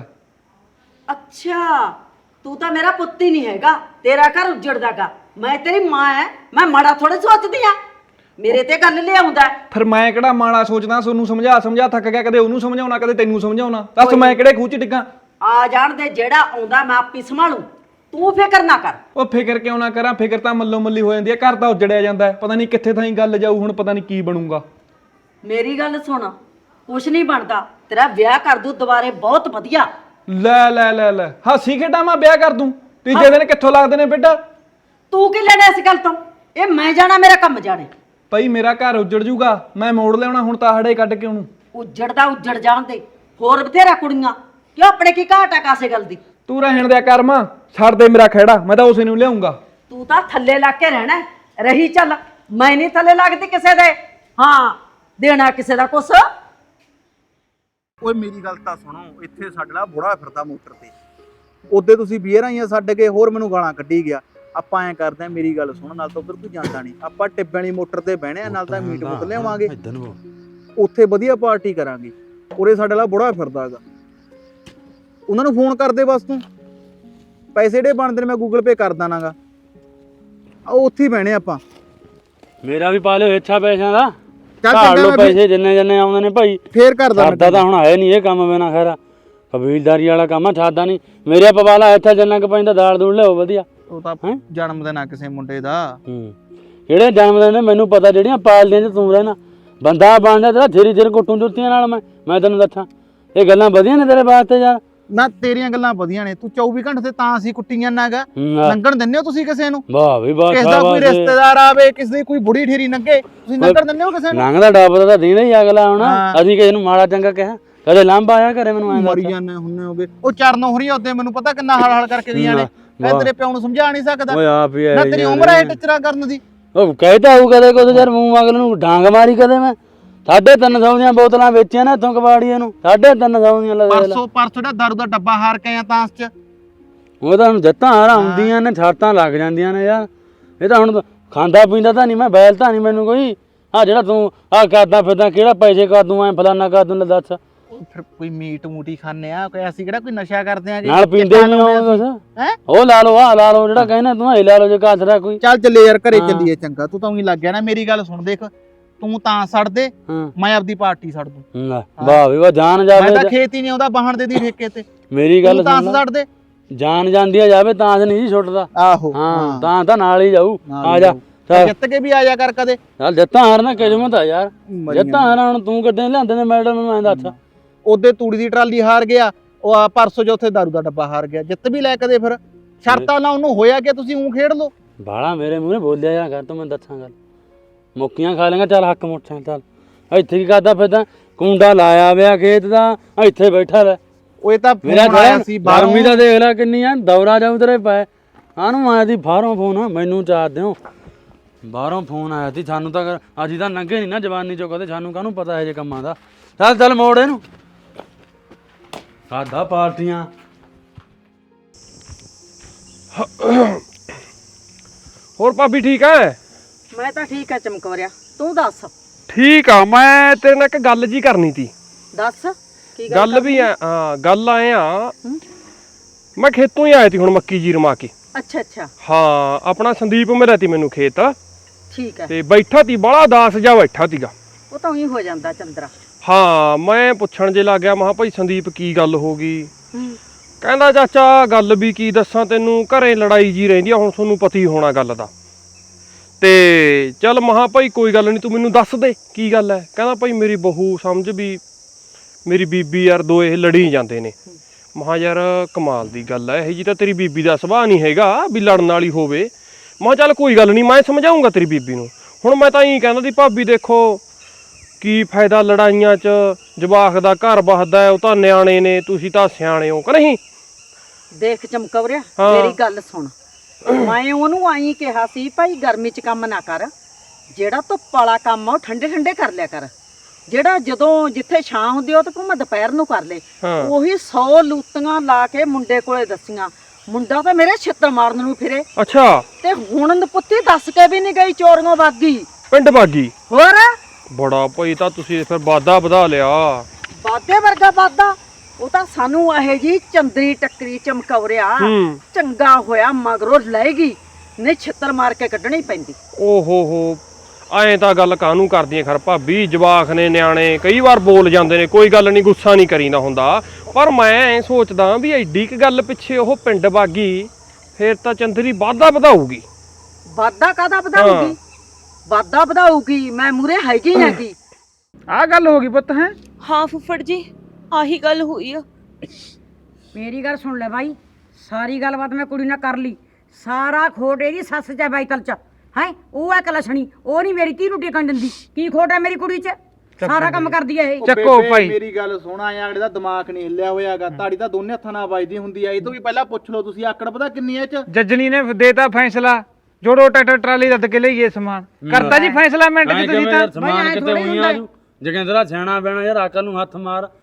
Speaker 4: ਅੱਛਾ ਤੂੰ ਤਾਂ ਮੇਰਾ ਪੁੱਤ ਹੀ ਨਹੀਂ ਹੈਗਾ ਤੇਰਾ ਘਰ ਉਜੜਦਾਗਾ ਮੈਂ ਤੇਰੀ ਮਾਂ ਐ ਮੈਂ ਮਾੜਾ ਥੋੜੇ ਸੋਚਦੀ ਆ ਮੇਰੇ ਤੇ ਗੱਲ ਲਿਆਉਂਦਾ
Speaker 3: ਫਿਰ ਮੈਂ ਕਿਹੜਾ ਮਾੜਾ ਸੋਚਦਾ ਸੋਨੂੰ ਸਮਝਾ ਸਮਝਾ ਥੱਕ ਗਿਆ ਕਦੇ ਉਹਨੂੰ ਸਮਝਾਉਣਾ ਕਦੇ ਤੈਨੂੰ ਸਮਝਾਉਣਾ ਦੱਸ ਮੈਂ ਕਿਹੜੇ ਖੂਹ ਚ ਡਿੱਗਾ
Speaker 4: ਆ ਜਾਣ ਦੇ ਜਿਹੜਾ ਆਉਂਦਾ ਮੈਂ ਆਪੀ ਸੰਭਾਲੂ ਤੂੰ ਫਿਕਰ ਨਾ ਕਰ
Speaker 3: ਉਹ ਫਿਕਰ ਕਿਉਂ ਨਾ ਕਰਾਂ ਫਿਕਰ ਤਾਂ ਮੱਲੋ ਮੱਲੀ ਹੋ ਜਾਂਦੀ ਹੈ ਘਰ ਤਾਂ ਉਜੜਿਆ ਜਾਂਦਾ ਹੈ ਪਤਾ ਨਹੀਂ ਕਿੱਥੇ ਥਾਈ ਗੱਲ ਜਾਊ ਹੁਣ ਪਤਾ ਨਹੀਂ ਕੀ ਬਣੂਗਾ
Speaker 4: ਮੇਰੀ ਗੱਲ ਸੁਣ ਕੁਛ ਨਹੀਂ ਬਣਦਾ ਤੇਰਾ ਵਿਆਹ ਕਰ ਦੂ ਦੁਬਾਰੇ ਬਹੁਤ ਵਧੀਆ
Speaker 3: ਲੈ ਲੈ ਲੈ ਲੈ ਹਾਸੀ ਖੇਡਾਂ ਮੈਂ ਵਿਆਹ ਕਰ ਦੂੰ ਤੀਜੇ ਦਿਨ ਕਿੱਥੋਂ ਲੱਗਦੇ ਨੇ ਬੇਟਾ
Speaker 4: ਤੂੰ ਕੀ ਲੈਣਾ ਇਸ ਗੱਲ ਤੋਂ ਇਹ ਮੈਂ ਜਾਣਾ ਮੇਰਾ ਕੰਮ ਜਾਣੇ
Speaker 3: ਭਾਈ ਮੇਰਾ ਘਰ ਉਜੜ ਜੂਗਾ ਮੈਂ ਮੋੜ ਲਿਆਉਣਾ ਹੁਣ ਤਾਂ ਹੜੇ ਕੱਢ ਕੇ ਉਹਨੂੰ
Speaker 4: ਉਜੜਦਾ ਉਜੜ ਜਾਣ ਦੇ ਹੋਰ ਬਥੇਰਾ ਕੁੜੀਆਂ ਕਿਉਂ ਆਪਣੇ ਕੀ ਘਾਟ ਆ ਕਾਸੇ ਗੱਲ ਦੀ
Speaker 3: ਤੂੰ ਰਹਿਣ ਦਿਆ ਕਰ ਮਾਂ ਛੱਡ ਦੇ ਮੇਰਾ ਖਹਿੜਾ ਮੈਂ ਤਾਂ ਉਸੇ ਨੂੰ ਲਿਆਉਂਗਾ
Speaker 4: ਤੂੰ ਤਾਂ ਥੱਲੇ ਲੱਗ ਕੇ ਰਹਿਣਾ ਹੈ। ਰਹੀ ਚੱਲ ਮੈਂ ਨਹੀਂ ਥੱਲੇ ਲੱਗਦੀ ਕਿਸੇ ਦੇ ਹਾਂ ਦੇਣਾ ਕਿਸੇ ਦਾ ਕੁਛ
Speaker 5: ਓਏ ਮੇਰੀ ਗੱਲ ਤਾਂ ਸੁਣੋ ਇੱਥੇ ਸਾਡੇ ਨਾਲ ਬੁੜਾ ਫਿਰਦਾ ਮੋਟਰ ਤੇ ਉਹਦੇ ਤੁਸੀਂ ਬੀਅਰਾਂ ਆਈਆਂ ਛੱਡ ਕੇ ਹੋਰ ਮੈਨੂੰ ਗਾਲਾਂ ਕੱਢੀ ਗਿਆ ਆਪਾਂ ਐਂ ਕਰਦੇ ਆ, ਮੇਰੀ ਗੱਲ ਸੁਣ, ਨਾਲ ਤਾਂ ਉਧਰ ਕੋਈ ਜਾਂਦਾ ਨਹੀਂ, ਆਪਾਂ ਟਿੱਬੇ ਵਾਲੀ ਮੋਟਰ ਤੇ ਬਹਿਣੇ ਆ, ਨਾਲ ਤਾਂ ਮੀਟ ਮੁੱਕ ਲਿਆਵਾਂਗੇ, ਉੱਥੇ ਵਧੀਆ ਪਾਰਟੀ ਕਰਾਂਗੇ। ਉਰੇ ਸਾਡੇ ਵਾਲਾ ਬੁੜਾ ਫਿਰਦਾ ਹੈਗਾ, ਉਹਨਾਂ ਨੂੰ ਫੋਨ ਕਰਦੇ ਬਸ, ਤੂੰ ਪੈਸੇ ਜਿਹੜੇ ਬਣਦੇ ਨੇ ਮੈਂ ਗੂਗਲ ਪੇ ਕਰ ਦਾਂਗਾ, ਆ ਉੱਥੇ ਹੀ ਬਹਿਣੇ ਆਪਾਂ।
Speaker 6: ਮੇਰਾ ਵੀ ਪਾ ਲਿਓ ਇੱਛਾ ਪੈਸਿਆਂ ਦਾ,
Speaker 5: ਚੱਲ
Speaker 6: ਘਾੜ
Speaker 5: ਚੰਗਾ
Speaker 6: ਲੋ
Speaker 5: ਮੈਂ
Speaker 6: ਪੈਸੇ ਜਿੰਨੇ ਜਿੰਨੇ ਆਉਂਦੇ ਨੇ ਭਾਈ।
Speaker 5: ਫੇਰ ਕਰਦਾ
Speaker 6: ਸਾਡਾ ਤਾਂ ਹੁਣ ਹੈ ਨਹੀਂ ਇਹ ਕੰਮ ਬਿਨਾ ਖੈਰ ਕਬੀਲਦਾਰੀ ਵਾਲਾ ਕੰਮ ਆ, ਸਾਡਾ ਨਹੀਂ। ਮੇਰੇ ਪਵਾਲਾ ਇੱਥੇ ਜਿੰਨਾ ਕੁ ਪੈਂਦਾ ਦਾਲ ਦੂਲ ਲਿਓ ਵਧੀਆ।
Speaker 5: ਉਹ ਤਾਂ ਜਨਮ ਦਿਨ ਆ ਕਿਸੇ ਮੁੰਡੇ ਦਾ।
Speaker 6: ਹੂੰ ਜਿਹੜੇ ਜਨਮ ਦਿਨ ਨੇ ਮੈਨੂੰ ਪਤਾ, ਜਿਹੜੀਆਂ ਪਾਲਦੀਆਂ ਚ ਤੂੰ ਰਹਿਣਾ ਬੰਦਾ ਬਣਦਾ ਤੇਰਾ ਥੇਰੀ ਥੇਰ ਕੁੱਟੂ ਜੁੱਤੀਆਂ ਨਾਲ। ਮੈਂ ਮੈਂ ਤੈਨੂੰ ਦੱਸਾਂ ਇਹ ਗੱਲਾਂ ਵਧੀਆ ਨੇ ਤੇਰੇ ਵਾਸਤੇ ਯਾਰ।
Speaker 5: ਨਾ ਤੇਰੀਆਂ ਗੱਲਾਂ ਵਧੀਆ ਨੇ, ਤੂੰ ਚੌਵੀ ਘੰਟੇ ਤੇ ਤਾਂ ਅਸੀਂ ਕੁੱਟੀਆਂ ਨਾਗਾ
Speaker 6: ਹੂੰ, ਆ।
Speaker 5: ਲੰਘਣ ਦਿੰਦੇ ਹੋ ਤੁਸੀਂ ਕਿਸੇ ਨੂੰ?
Speaker 6: ਵਾਹ ਵੀ ਵਾਹ,
Speaker 5: ਕਿਸੇ ਦਾ ਕੋਈ ਰਿਸ਼ਤੇਦਾਰ ਆਵੇ, ਕਿਸੇ ਦੀ ਕੋਈ ਬੁੜੀ ਠੇਰੀ ਲੰਘੇ, ਤੁਸੀਂ ਲੰਘਣ ਦਿੰਦੇ ਹੋ ਕਿਸੇ ਨੂੰ?
Speaker 6: ਲੰਘਦਾ ਡੱਬਦਾ ਤਾਂ ਦੇਣਾ ਹੀ ਅਗਲਾ ਹੁਣ।
Speaker 5: ਹਾਂ।
Speaker 6: ਅਸੀਂ ਕਿਸੇ ਨੂੰ ਮਾੜਾ ਚੰਗਾ ਕਿਹਾ ਕਦੇ ਲਾਂਭਾ ਆਇਆ ਘਰੇ ਮੈਨੂੰ ਐਂ
Speaker 5: ਮਰੀ
Speaker 6: ਦੱਸ।
Speaker 5: ਜਾਂਦੇ ਹੁੰਨੇ ਹੋਗੇ। ਉਹ ਚਰਨੋਂ ਹੋਰੀ ਉਹਦੇ ਮੈਨੂੰ ਪਤਾ ਕਿੰਨਾ ਹਲ ਹਲ ਕਰਕੇ ਦੀਆਂ ਨੇ, ਮੈਂ ਤੇਰੇ ਪਿਓ ਨੂੰ ਸਮਝਾ ਨਹੀਂ ਸਕਦਾ।
Speaker 6: ਓਏ ਆਪ ਹੀ
Speaker 5: ਨਾ ਤੇਰੀ ਉਮਰ ਹੈ ਟਿਚਰਾ ਕਰਨ ਦੀ।
Speaker 6: ਉਹ ਕਹਿਦਾ ਹੋਊ ਕਦੇ ਕੁਝ ਯਾਰ, ਮੂੰਹ ਮਗਲ ਨੂੰ ਡਾਂਗ ਮਾਰੀ ਕਦੇ। ਮੈਂ ਸਾਢੇ ਤਿੰਨ ਸੌ ਦੀਆਂ ਬੋਤਲਾਂ ਵੇਚੀਆਂ ਨੇ ਇੱਥੋਂ ਕਬਾੜੀਆਂ ਨੂੰ, ਸਾਢੇ ਤਿੰਨ ਸੌ ਦੀਆਂ ਲੈ ਲੈ।
Speaker 5: ਪਰਸੋਂ ਪਰਸੋਂ ਦਾ ਦਾਰੂ ਦਾ ਡੱਬਾ ਹਾਰ ਕੇ ਆਇਆ ਤਾਂਸ ਚ।
Speaker 6: ਉਹ ਤਾਂ ਹੁਣ ਜੱਤਾਂ ਹਾਰ ਆਉਂਦੀਆਂ ਨੇ, ਛਾਤਾਂ ਲੱਗ ਜਾਂਦੀਆਂ ਨੇ ਯਾਰ। ਇਹ ਤਾਂ ਹੁਣ ਖਾਂਦਾ ਪੀਂਦਾ ਤਾਂ ਨਹੀਂ ਮੈਂ, ਬੈਲ ਤਾਂ ਨਹੀਂ ਮੈਨੂੰ ਕੋਈ। ਆ ਜਿਹੜਾ ਤੂੰ ਆ ਕਰਦਾ ਫਿਰਦਾ, ਕਿਹੜਾ ਪੈਸੇ ਕਰ ਦੂੰ, ਐ ਫਲਾਨਾ ਕਰ ਦੂੰ, ਲੈ ਦੱਸ।
Speaker 5: ਫਿਰ ਕੋਈ ਮੀਟ ਮੂਟੀ ਖਾਣੇ ਆ, ਕੋਈ ਅਸੀਂ ਕਿਹੜਾ ਕੋਈ ਨਸ਼ਾ ਕਰਦੇ ਆ?
Speaker 6: ਨਾਲ ਪੀਂਦੇ ਨਹੀਂ ਉਹ
Speaker 5: ਹੈ।
Speaker 6: ਉਹ ਲਾ ਲਓ, ਆ ਲਾ ਲਓ, ਜਿਹੜਾ ਕਹਿੰਦਾ ਤੂੰ ਇਹ ਲਾ ਲਓ ਜੇ ਕਾਸਰਾ ਕੋਈ।
Speaker 5: ਚੱਲ ਚੱਲੇ ਯਾਰ ਘਰੇ ਚੱਲੀਏ, ਚੰਗਾ ਤੂੰ ਤਾਂ ਉਹੀ ਲੱਗ ਗਿਆ ਨਾ। ਮੇਰੀ ਗੱਲ ਸੁਣ, ਦੇਖ ਤੂੰ ਤਾਂ ਛੱਡ ਦੇ,
Speaker 6: ਹਾਂ
Speaker 5: ਮੈਂ ਆਪਦੀ ਪਾਰਟੀ ਛੱਡ ਦੂੰ।
Speaker 6: ਲੈ, ਵਾਹ ਵੀ ਵਾਹ, ਜਾਨ
Speaker 5: ਮੈਂ
Speaker 6: ਜਾਵੇ।
Speaker 5: ਤਾਂ ਖੇਤ ਹੀ ਨਹੀਂ ਆਉਂਦਾ, ਬਾਹਣ ਦੇ ਦੀ ਠੇਕੇ ਤੇ।
Speaker 6: ਮੇਰੀ ਗੱਲ
Speaker 5: ਤੂੰ ਤਾਂ
Speaker 6: ਸੁਣ ਲੈ,
Speaker 5: ਛੱਡ ਦੇ।
Speaker 6: ਜਾਨ ਜਾਂਦੀ ਆ ਜਾਵੇ ਤਾਂ ਨਹੀਂ ਜੀ ਛੁੱਟਦਾ।
Speaker 5: ਆਹੋ
Speaker 6: ਹਾਂ ਤਾਂ ਤਾਂ ਨਾਲ ਹੀ ਜਾਊ।
Speaker 5: ਨਾਲ
Speaker 6: ਆ
Speaker 5: ਹੀ
Speaker 6: ਜਾ
Speaker 5: ਜਾਊ।
Speaker 6: ਚੱਲ
Speaker 5: ਜਿੱਤ ਕੇ ਵੀ ਆ ਜਾ ਕਰ ਕਦੇ।
Speaker 6: ਚੱਲ ਜੱਤਾਂ ਹਾਰਨਾ ਕਿਸਮਤ ਆ ਯਾਰ।
Speaker 5: ਮਰੀਆਂ
Speaker 6: ਜੱਤਾਂ ਹਾਰਾਂ ਹੁਣ ਤੂੰ ਕੱਢੇ ਲਿਆਂਦੇ ਨੇ ਮੈਡਮ ਨੂੰ, ਐਂ ਦੱਸ।
Speaker 5: ਉਹਦੇ ਤੂੜੀ ਦੀ ਟਰਾਲੀ ਹਾਰ ਗਿਆ, ਉਹ ਆ ਪਰਸੋਂ ਜੋ ਉੱਥੇ ਦਾਰੂ ਦਾ ਡੱਬਾ ਹਾਰ ਗਿਆ। ਜਿੱਤ ਵੀ ਲੈ ਕਦੇ ਫਿਰ ਸ਼ਰਤਾਂ ਨਾਲ ਉਹਨੂੰ ਹੋਇਆ ਕਿ ਤੁਸੀਂ ਉਂ ਖੇਡ ਲਓ।
Speaker 6: ਬਾਲਾ ਮੇਰੇ ਮੂਹਰੇ ਬੋਲਿਆ ਯਾਰ ਕਰ, ਤੂੰ ਮੈਂ ਦੱਸਾਂ ਗੱਲ। ਮੁੱਕੀਆਂ ਖਾ ਲੇਗਾ, ਚੱਲ ਹੱਕ ਮੁੱਠਾਂ। ਚੱਲ ਇੱਥੇ ਕੀ ਕਰਦਾ ਫਿਰਦਾ? ਕੁੰਡਾ ਲਾਇਆ ਵਿਆ ਖੇਤ ਦਾ, ਇੱਥੇ ਬੈਠਾ ਲੈ।
Speaker 5: ਉਹ ਇਹ ਤਾਂ
Speaker 6: ਮੇਰਾ
Speaker 5: ਫੋਨ ਆਇਆ ਸੀ ਬਾਹਰੋਂ।
Speaker 6: ਗਰਮੀ ਦਾ ਦੇਖ ਲੈ ਕਿੰਨੀ ਆ, ਦੌਰਾ ਜਾਊ ਤੇਰੇ ਪੈ। ਆਨੂੰ ਆਇਆ ਸੀ ਬਾਹਰੋਂ ਫੋਨ, ਮੈਨੂੰ ਚਾਰ ਦਿਓ ਬਾਹਰੋਂ ਫੋਨ ਆਇਆ ਸੀ। ਸਾਨੂੰ ਤਾਂ ਅਸੀਂ ਤਾਂ ਲੰਘੇ ਨਹੀਂ ਨਾ ਜਵਾਨੀ ਚੋਂ ਕਦੇ, ਸਾਨੂੰ ਕਾਹਨੂੰ ਪਤਾ ਇਹ ਜੇ ਕੰਮਾਂ ਦਾ। ਚੱਲ ਚੱਲ ਮੋੜ ਇਹਨੂੰ, ਸਾਡਾ ਪਾਰਟੀਆਂ।
Speaker 7: ਹੋਰ ਭਾਬੀ ਠੀਕ ਹੈ?
Speaker 4: ਮੈਂ ਤਾਂ ਠੀਕ ਆ ਚਮਕੌਰਿਆ, ਤੂੰ ਦੱਸ।
Speaker 7: ਠੀਕ ਆ, ਮੈਂ ਤੇਰੇ ਨਾਲ ਇੱਕ ਗੱਲ ਜੀ ਕਰਨੀ ਤੀ।
Speaker 4: ਦੱਸ ਕੀ
Speaker 7: ਗੱਲ ਵੀ ਆ, ਹਾਂ ਗੱਲ ਆਏ ਆ, ਮੈਂ ਖੇਤੋਂ ਹੀ ਆਇਆ ਤੀ ਹੁਣ ਮੱਕੀ ਜੀ ਰਮਾ ਕੇ।
Speaker 4: ਅੱਛਾ ਅੱਛਾ
Speaker 7: ਹਾਂ ਆਪਣਾ ਸੰਦੀਪ ਮਿਲਿਆ ਤੀ ਮੈਨੂੰ ਖੇਤ,
Speaker 4: ਠੀਕ ਹੈ।
Speaker 7: ਤੇ ਬੈਠਾ ਤੀ ਬੜਾ ਦਾਸ ਜਾ ਬੈਠਾ ਤੀਗਾ।
Speaker 4: ਉਹ ਤਾਂ ਉਹੀ ਹੋ ਜਾਂਦਾ ਚੰਦਰਾ।
Speaker 7: ਹਾਂ ਮੈਂ ਪੁੱਛਣ ਜੇ ਲੱਗ ਗਿਆ, ਮੈਂ ਕਿਹਾ ਭਾਈ ਸੰਦੀਪ ਕੀ ਗੱਲ ਹੋ ਗਈ?
Speaker 4: ਹੂੰ
Speaker 7: ਕਹਿੰਦਾ ਚਾਚਾ ਗੱਲ ਵੀ ਕੀ ਦੱਸਾਂ ਤੈਨੂੰ, ਘਰੇ ਲੜਾਈ ਜੀ ਰਹਿੰਦੀ ਆ, ਹੁਣ ਤੁਹਾਨੂੰ ਪਤਾ ਹੀ ਹੋਣਾ ਗੱਲ ਦਾ। ਤੇ ਚੱਲ ਮਹਾ ਭਾਈ ਕੋਈ ਗੱਲ ਨਹੀਂ, ਤੂੰ ਮੈਨੂੰ ਦੱਸ ਦੇ ਕੀ ਗੱਲ ਹੈ। ਕਹਿੰਦਾ ਭਾਈ ਮੇਰੀ ਬਹੂ ਸਮਝ ਵੀ ਮੇਰੀ ਬੀਬੀ ਯਾਰ ਦੋ ਇਹ ਲੜੀ ਜਾਂਦੇ ਨੇ। ਮਹਾ ਯਾਰ ਕਮਾਲ ਦੀ ਗੱਲ ਹੈ, ਇਹ ਜੀ ਤਾਂ ਤੇਰੀ ਬੀਬੀ ਦਾ ਸੁਭਾਅ ਨਹੀਂ ਹੈਗਾ ਵੀ ਲੜਨ ਵਾਲੀ ਹੋਵੇ। ਮਹਾ ਚੱਲ ਕੋਈ ਗੱਲ ਨਹੀਂ, ਮੈਂ ਸਮਝਾਉਂਗਾ ਤੇਰੀ ਬੀਬੀ ਨੂੰ। ਹੁਣ ਮੈਂ ਤਾਂ ਇਹੀ ਕਹਿੰਦਾ ਸੀ ਭਾਬੀ ਦੇਖੋ ਕੀ ਫਾਇਦਾ ਲੜਾਈਆਂ 'ਚ, ਜਵਾਕ ਦਾ ਘਰ ਵਸਦਾ, ਉਹ ਤਾਂ ਨਿਆਣੇ ਨੇ, ਤੁਸੀਂ ਤਾਂ ਸਿਆਣੇ ਹੋ ਕਿ ਨਹੀਂ?
Speaker 4: ਦੇਖ ਚਮਕੌਰਿਆ,
Speaker 7: ਹਾਂ।
Speaker 4: ਮੇਰੀ ਗੱਲ ਸੁਣ। ਮੈਂ ਉਹਨੂੰ ਆਈ ਕਿਹਾ ਸੀ ਭਾਈ ਗਰਮੀ 'ਚ ਕੰਮ ਨਾ ਕਰ, ਜਿਹੜਾ ਧੁੱਪ ਵਾਲਾ ਕੰਮ ਆ ਉਹ ਠੰਡੇ ਠੰਡੇ ਕਰ ਲਿਆ ਕਰ। ਜਿਹੜਾ ਜਦੋਂ ਜਿੱਥੇ ਛਾਂ ਹੁੰਦੀ ਉਹ ਤਾਂ ਭਾਵੇਂ ਦੁਪਹਿਰ ਨੂੰ ਕਰ ਲੈ।
Speaker 7: ਹਾਂ।
Speaker 4: ਉਹੀ ਸੌ ਲੂਤੀਆਂ ਲਾ ਕੇ ਮੁੰਡੇ ਕੋਲੇ ਦੱਸੀਆਂ, ਮੁੰਡਾ ਤਾਂ ਮੇਰੇ ਛਿੱਤਰ ਮਾਰਨ ਨੂੰ ਫਿਰੇ।
Speaker 7: ਅੱਛਾ
Speaker 4: ਤੇ ਹੁਣ ਨਪੁੱਤੀ ਦੱਸ ਕੇ ਵੀ ਨਹੀਂ ਗਈ, ਚੋਰੀਆਂ ਵਗ ਗਈ।
Speaker 7: ਪਿੰਡ ਬਾਗੀ
Speaker 4: ਹੋਰ
Speaker 7: ਬੜਾ ਭਾਈ, ਤਾਂ ਤੁਸੀਂ ਫਿਰ ਵਾਧਾ ਵਧਾ ਲਿਆ।
Speaker 4: ਵਾਧੇ ਵਰਗਾ ਵਾਧਾ। ਉਹ ਤਾਂ ਸਾਨੂੰ ਇਹ ਜੀ ਚੰਦਰੀ ਟੱਕਰੀ ਚਮਕੌਰਿਆ,
Speaker 7: ਹੂੰ।
Speaker 4: ਚੰਗਾ ਹੋਇਆ ਮਗਰੋਂ ਲੈਗੀ, ਨਹੀਂ ਛਿੱਤਰ ਮਾਰ ਕੇ ਕੱਢਣੀ ਪੈਂਦੀ।
Speaker 7: ਓ ਹੋ ਹੋ, ਐਂ ਤਾਂ ਗੱਲ ਕਾਹਨੂੰ ਕਰਦੀਆਂ ਖਰ ਭਾਬੀ, ਜਵਾਕ ਨੇ ਨਿਆਣੇ ਕਈ ਵਾਰ ਬੋਲ ਜਾਂਦੇ ਨੇ, ਕੋਈ ਗੱਲ ਨਹੀਂ, ਗੁੱਸਾ ਨਹੀਂ ਕਰੀਦਾ ਹੁੰਦਾ। ਪਰ ਮੈਂ ਐਂ ਸੋਚਦਾ ਵੀ ਐਡੀ ਕੁ ਗੱਲ ਪਿੱਛੇ ਉਹ ਪਿੰਡ ਬਾਗੀ, ਫੇਰ ਤਾਂ ਚੰਦਰੀ ਵਾਧਾ ਵਧਾਊਗੀ।
Speaker 4: ਵਾਧਾ ਕਾਹਦਾ ਵਧਾਊਗੀ? ਵਾਧਾ ਵਧਾਊਗੀ, ਮੈਂ ਮੂਰੇ ਹੈਗੀ ਹੈਗੀ।
Speaker 5: ਆਹ ਗੱਲ ਹੋ ਗਈ ਪੁੱਤ। ਹੈ
Speaker 1: ਹਾਂ ਫੁੱਫੜ ਜੀ, ਆਹੀ ਗੱਲ ਹੋਈ ਆ।
Speaker 2: ਮੇਰੀ ਗੱਲ ਸੁਣ ਲੈ ਬਾਈ, ਸਾਰੀ ਗੱਲਬਾਤ ਮੈਂ ਕੁੜੀ ਨਾਲ ਕਰ ਲਈ। ਸਾਰਾ ਖੋਟ ਇਹਦੀ ਸੱਸ ਚ ਬਾਈਤਲ ਚ ਹੈ। ਉਹ ਹੈ ਕਲਸ਼ਣੀ, ਉਹ ਨਹੀਂ ਮੇਰੀ ਧੀ ਨੂੰ ਟਿਕਣ ਦਿੰਦੀ। ਕੀ ਖੋਟ ਹੈ ਮੇਰੀ ਕੁੜੀ ਚ? ਸਾਰਾ ਕੰਮ ਕਰਦੀ ਹੈ ਇਹ।
Speaker 5: ਚੱਕੋ ਭਾਈ ਮੇਰੀ ਗੱਲ ਸੁਣਾ, ਆ ਅਗਲੇ ਦਾ ਦਿਮਾਗ ਨਹੀਂ ਹਿੱਲਿਆ ਹੋਇਆਗਾ, ਤਾੜੀ ਤਾਂ ਦੋਨੇ ਹੱਥਾਂ ਨਾਲ ਵੱਜਦੀ ਹੁੰਦੀ ਆ। ਇਹ ਤੋਂ ਵੀ ਪਹਿਲਾਂ ਪੁੱਛ ਲਓ ਤੁਸੀਂ, ਆਕੜ ਪਤਾ ਕਿੰਨੀ ਐ ਚ?
Speaker 8: ਜੱਜਣੀ ਨੇ ਦੇਤਾ ਫੈਸਲਾ, ਜੋੜੋ ਟਰੈਕਟਰ ਟਰਾਲੀ ਰੱਦ ਕੇ ਲਈਏ ਸਮਾਨ। ਕਰਤਾ ਜੀ ਫੈਸਲਾ ਮਿੰਟ ਚ ਤੁਸੀਂ ਤਾਂ।
Speaker 6: ਸਮਾਨ ਕਿਤੇ ਹੋਈਆਂ ਆਜੂ ਜਗਿੰਦਰਾ ਸਿਆਣਾ ਬੈਣਾ ਯਾਰ, ਅਕਲ ਨੂੰ ਹੱਥ ਮਾਰ।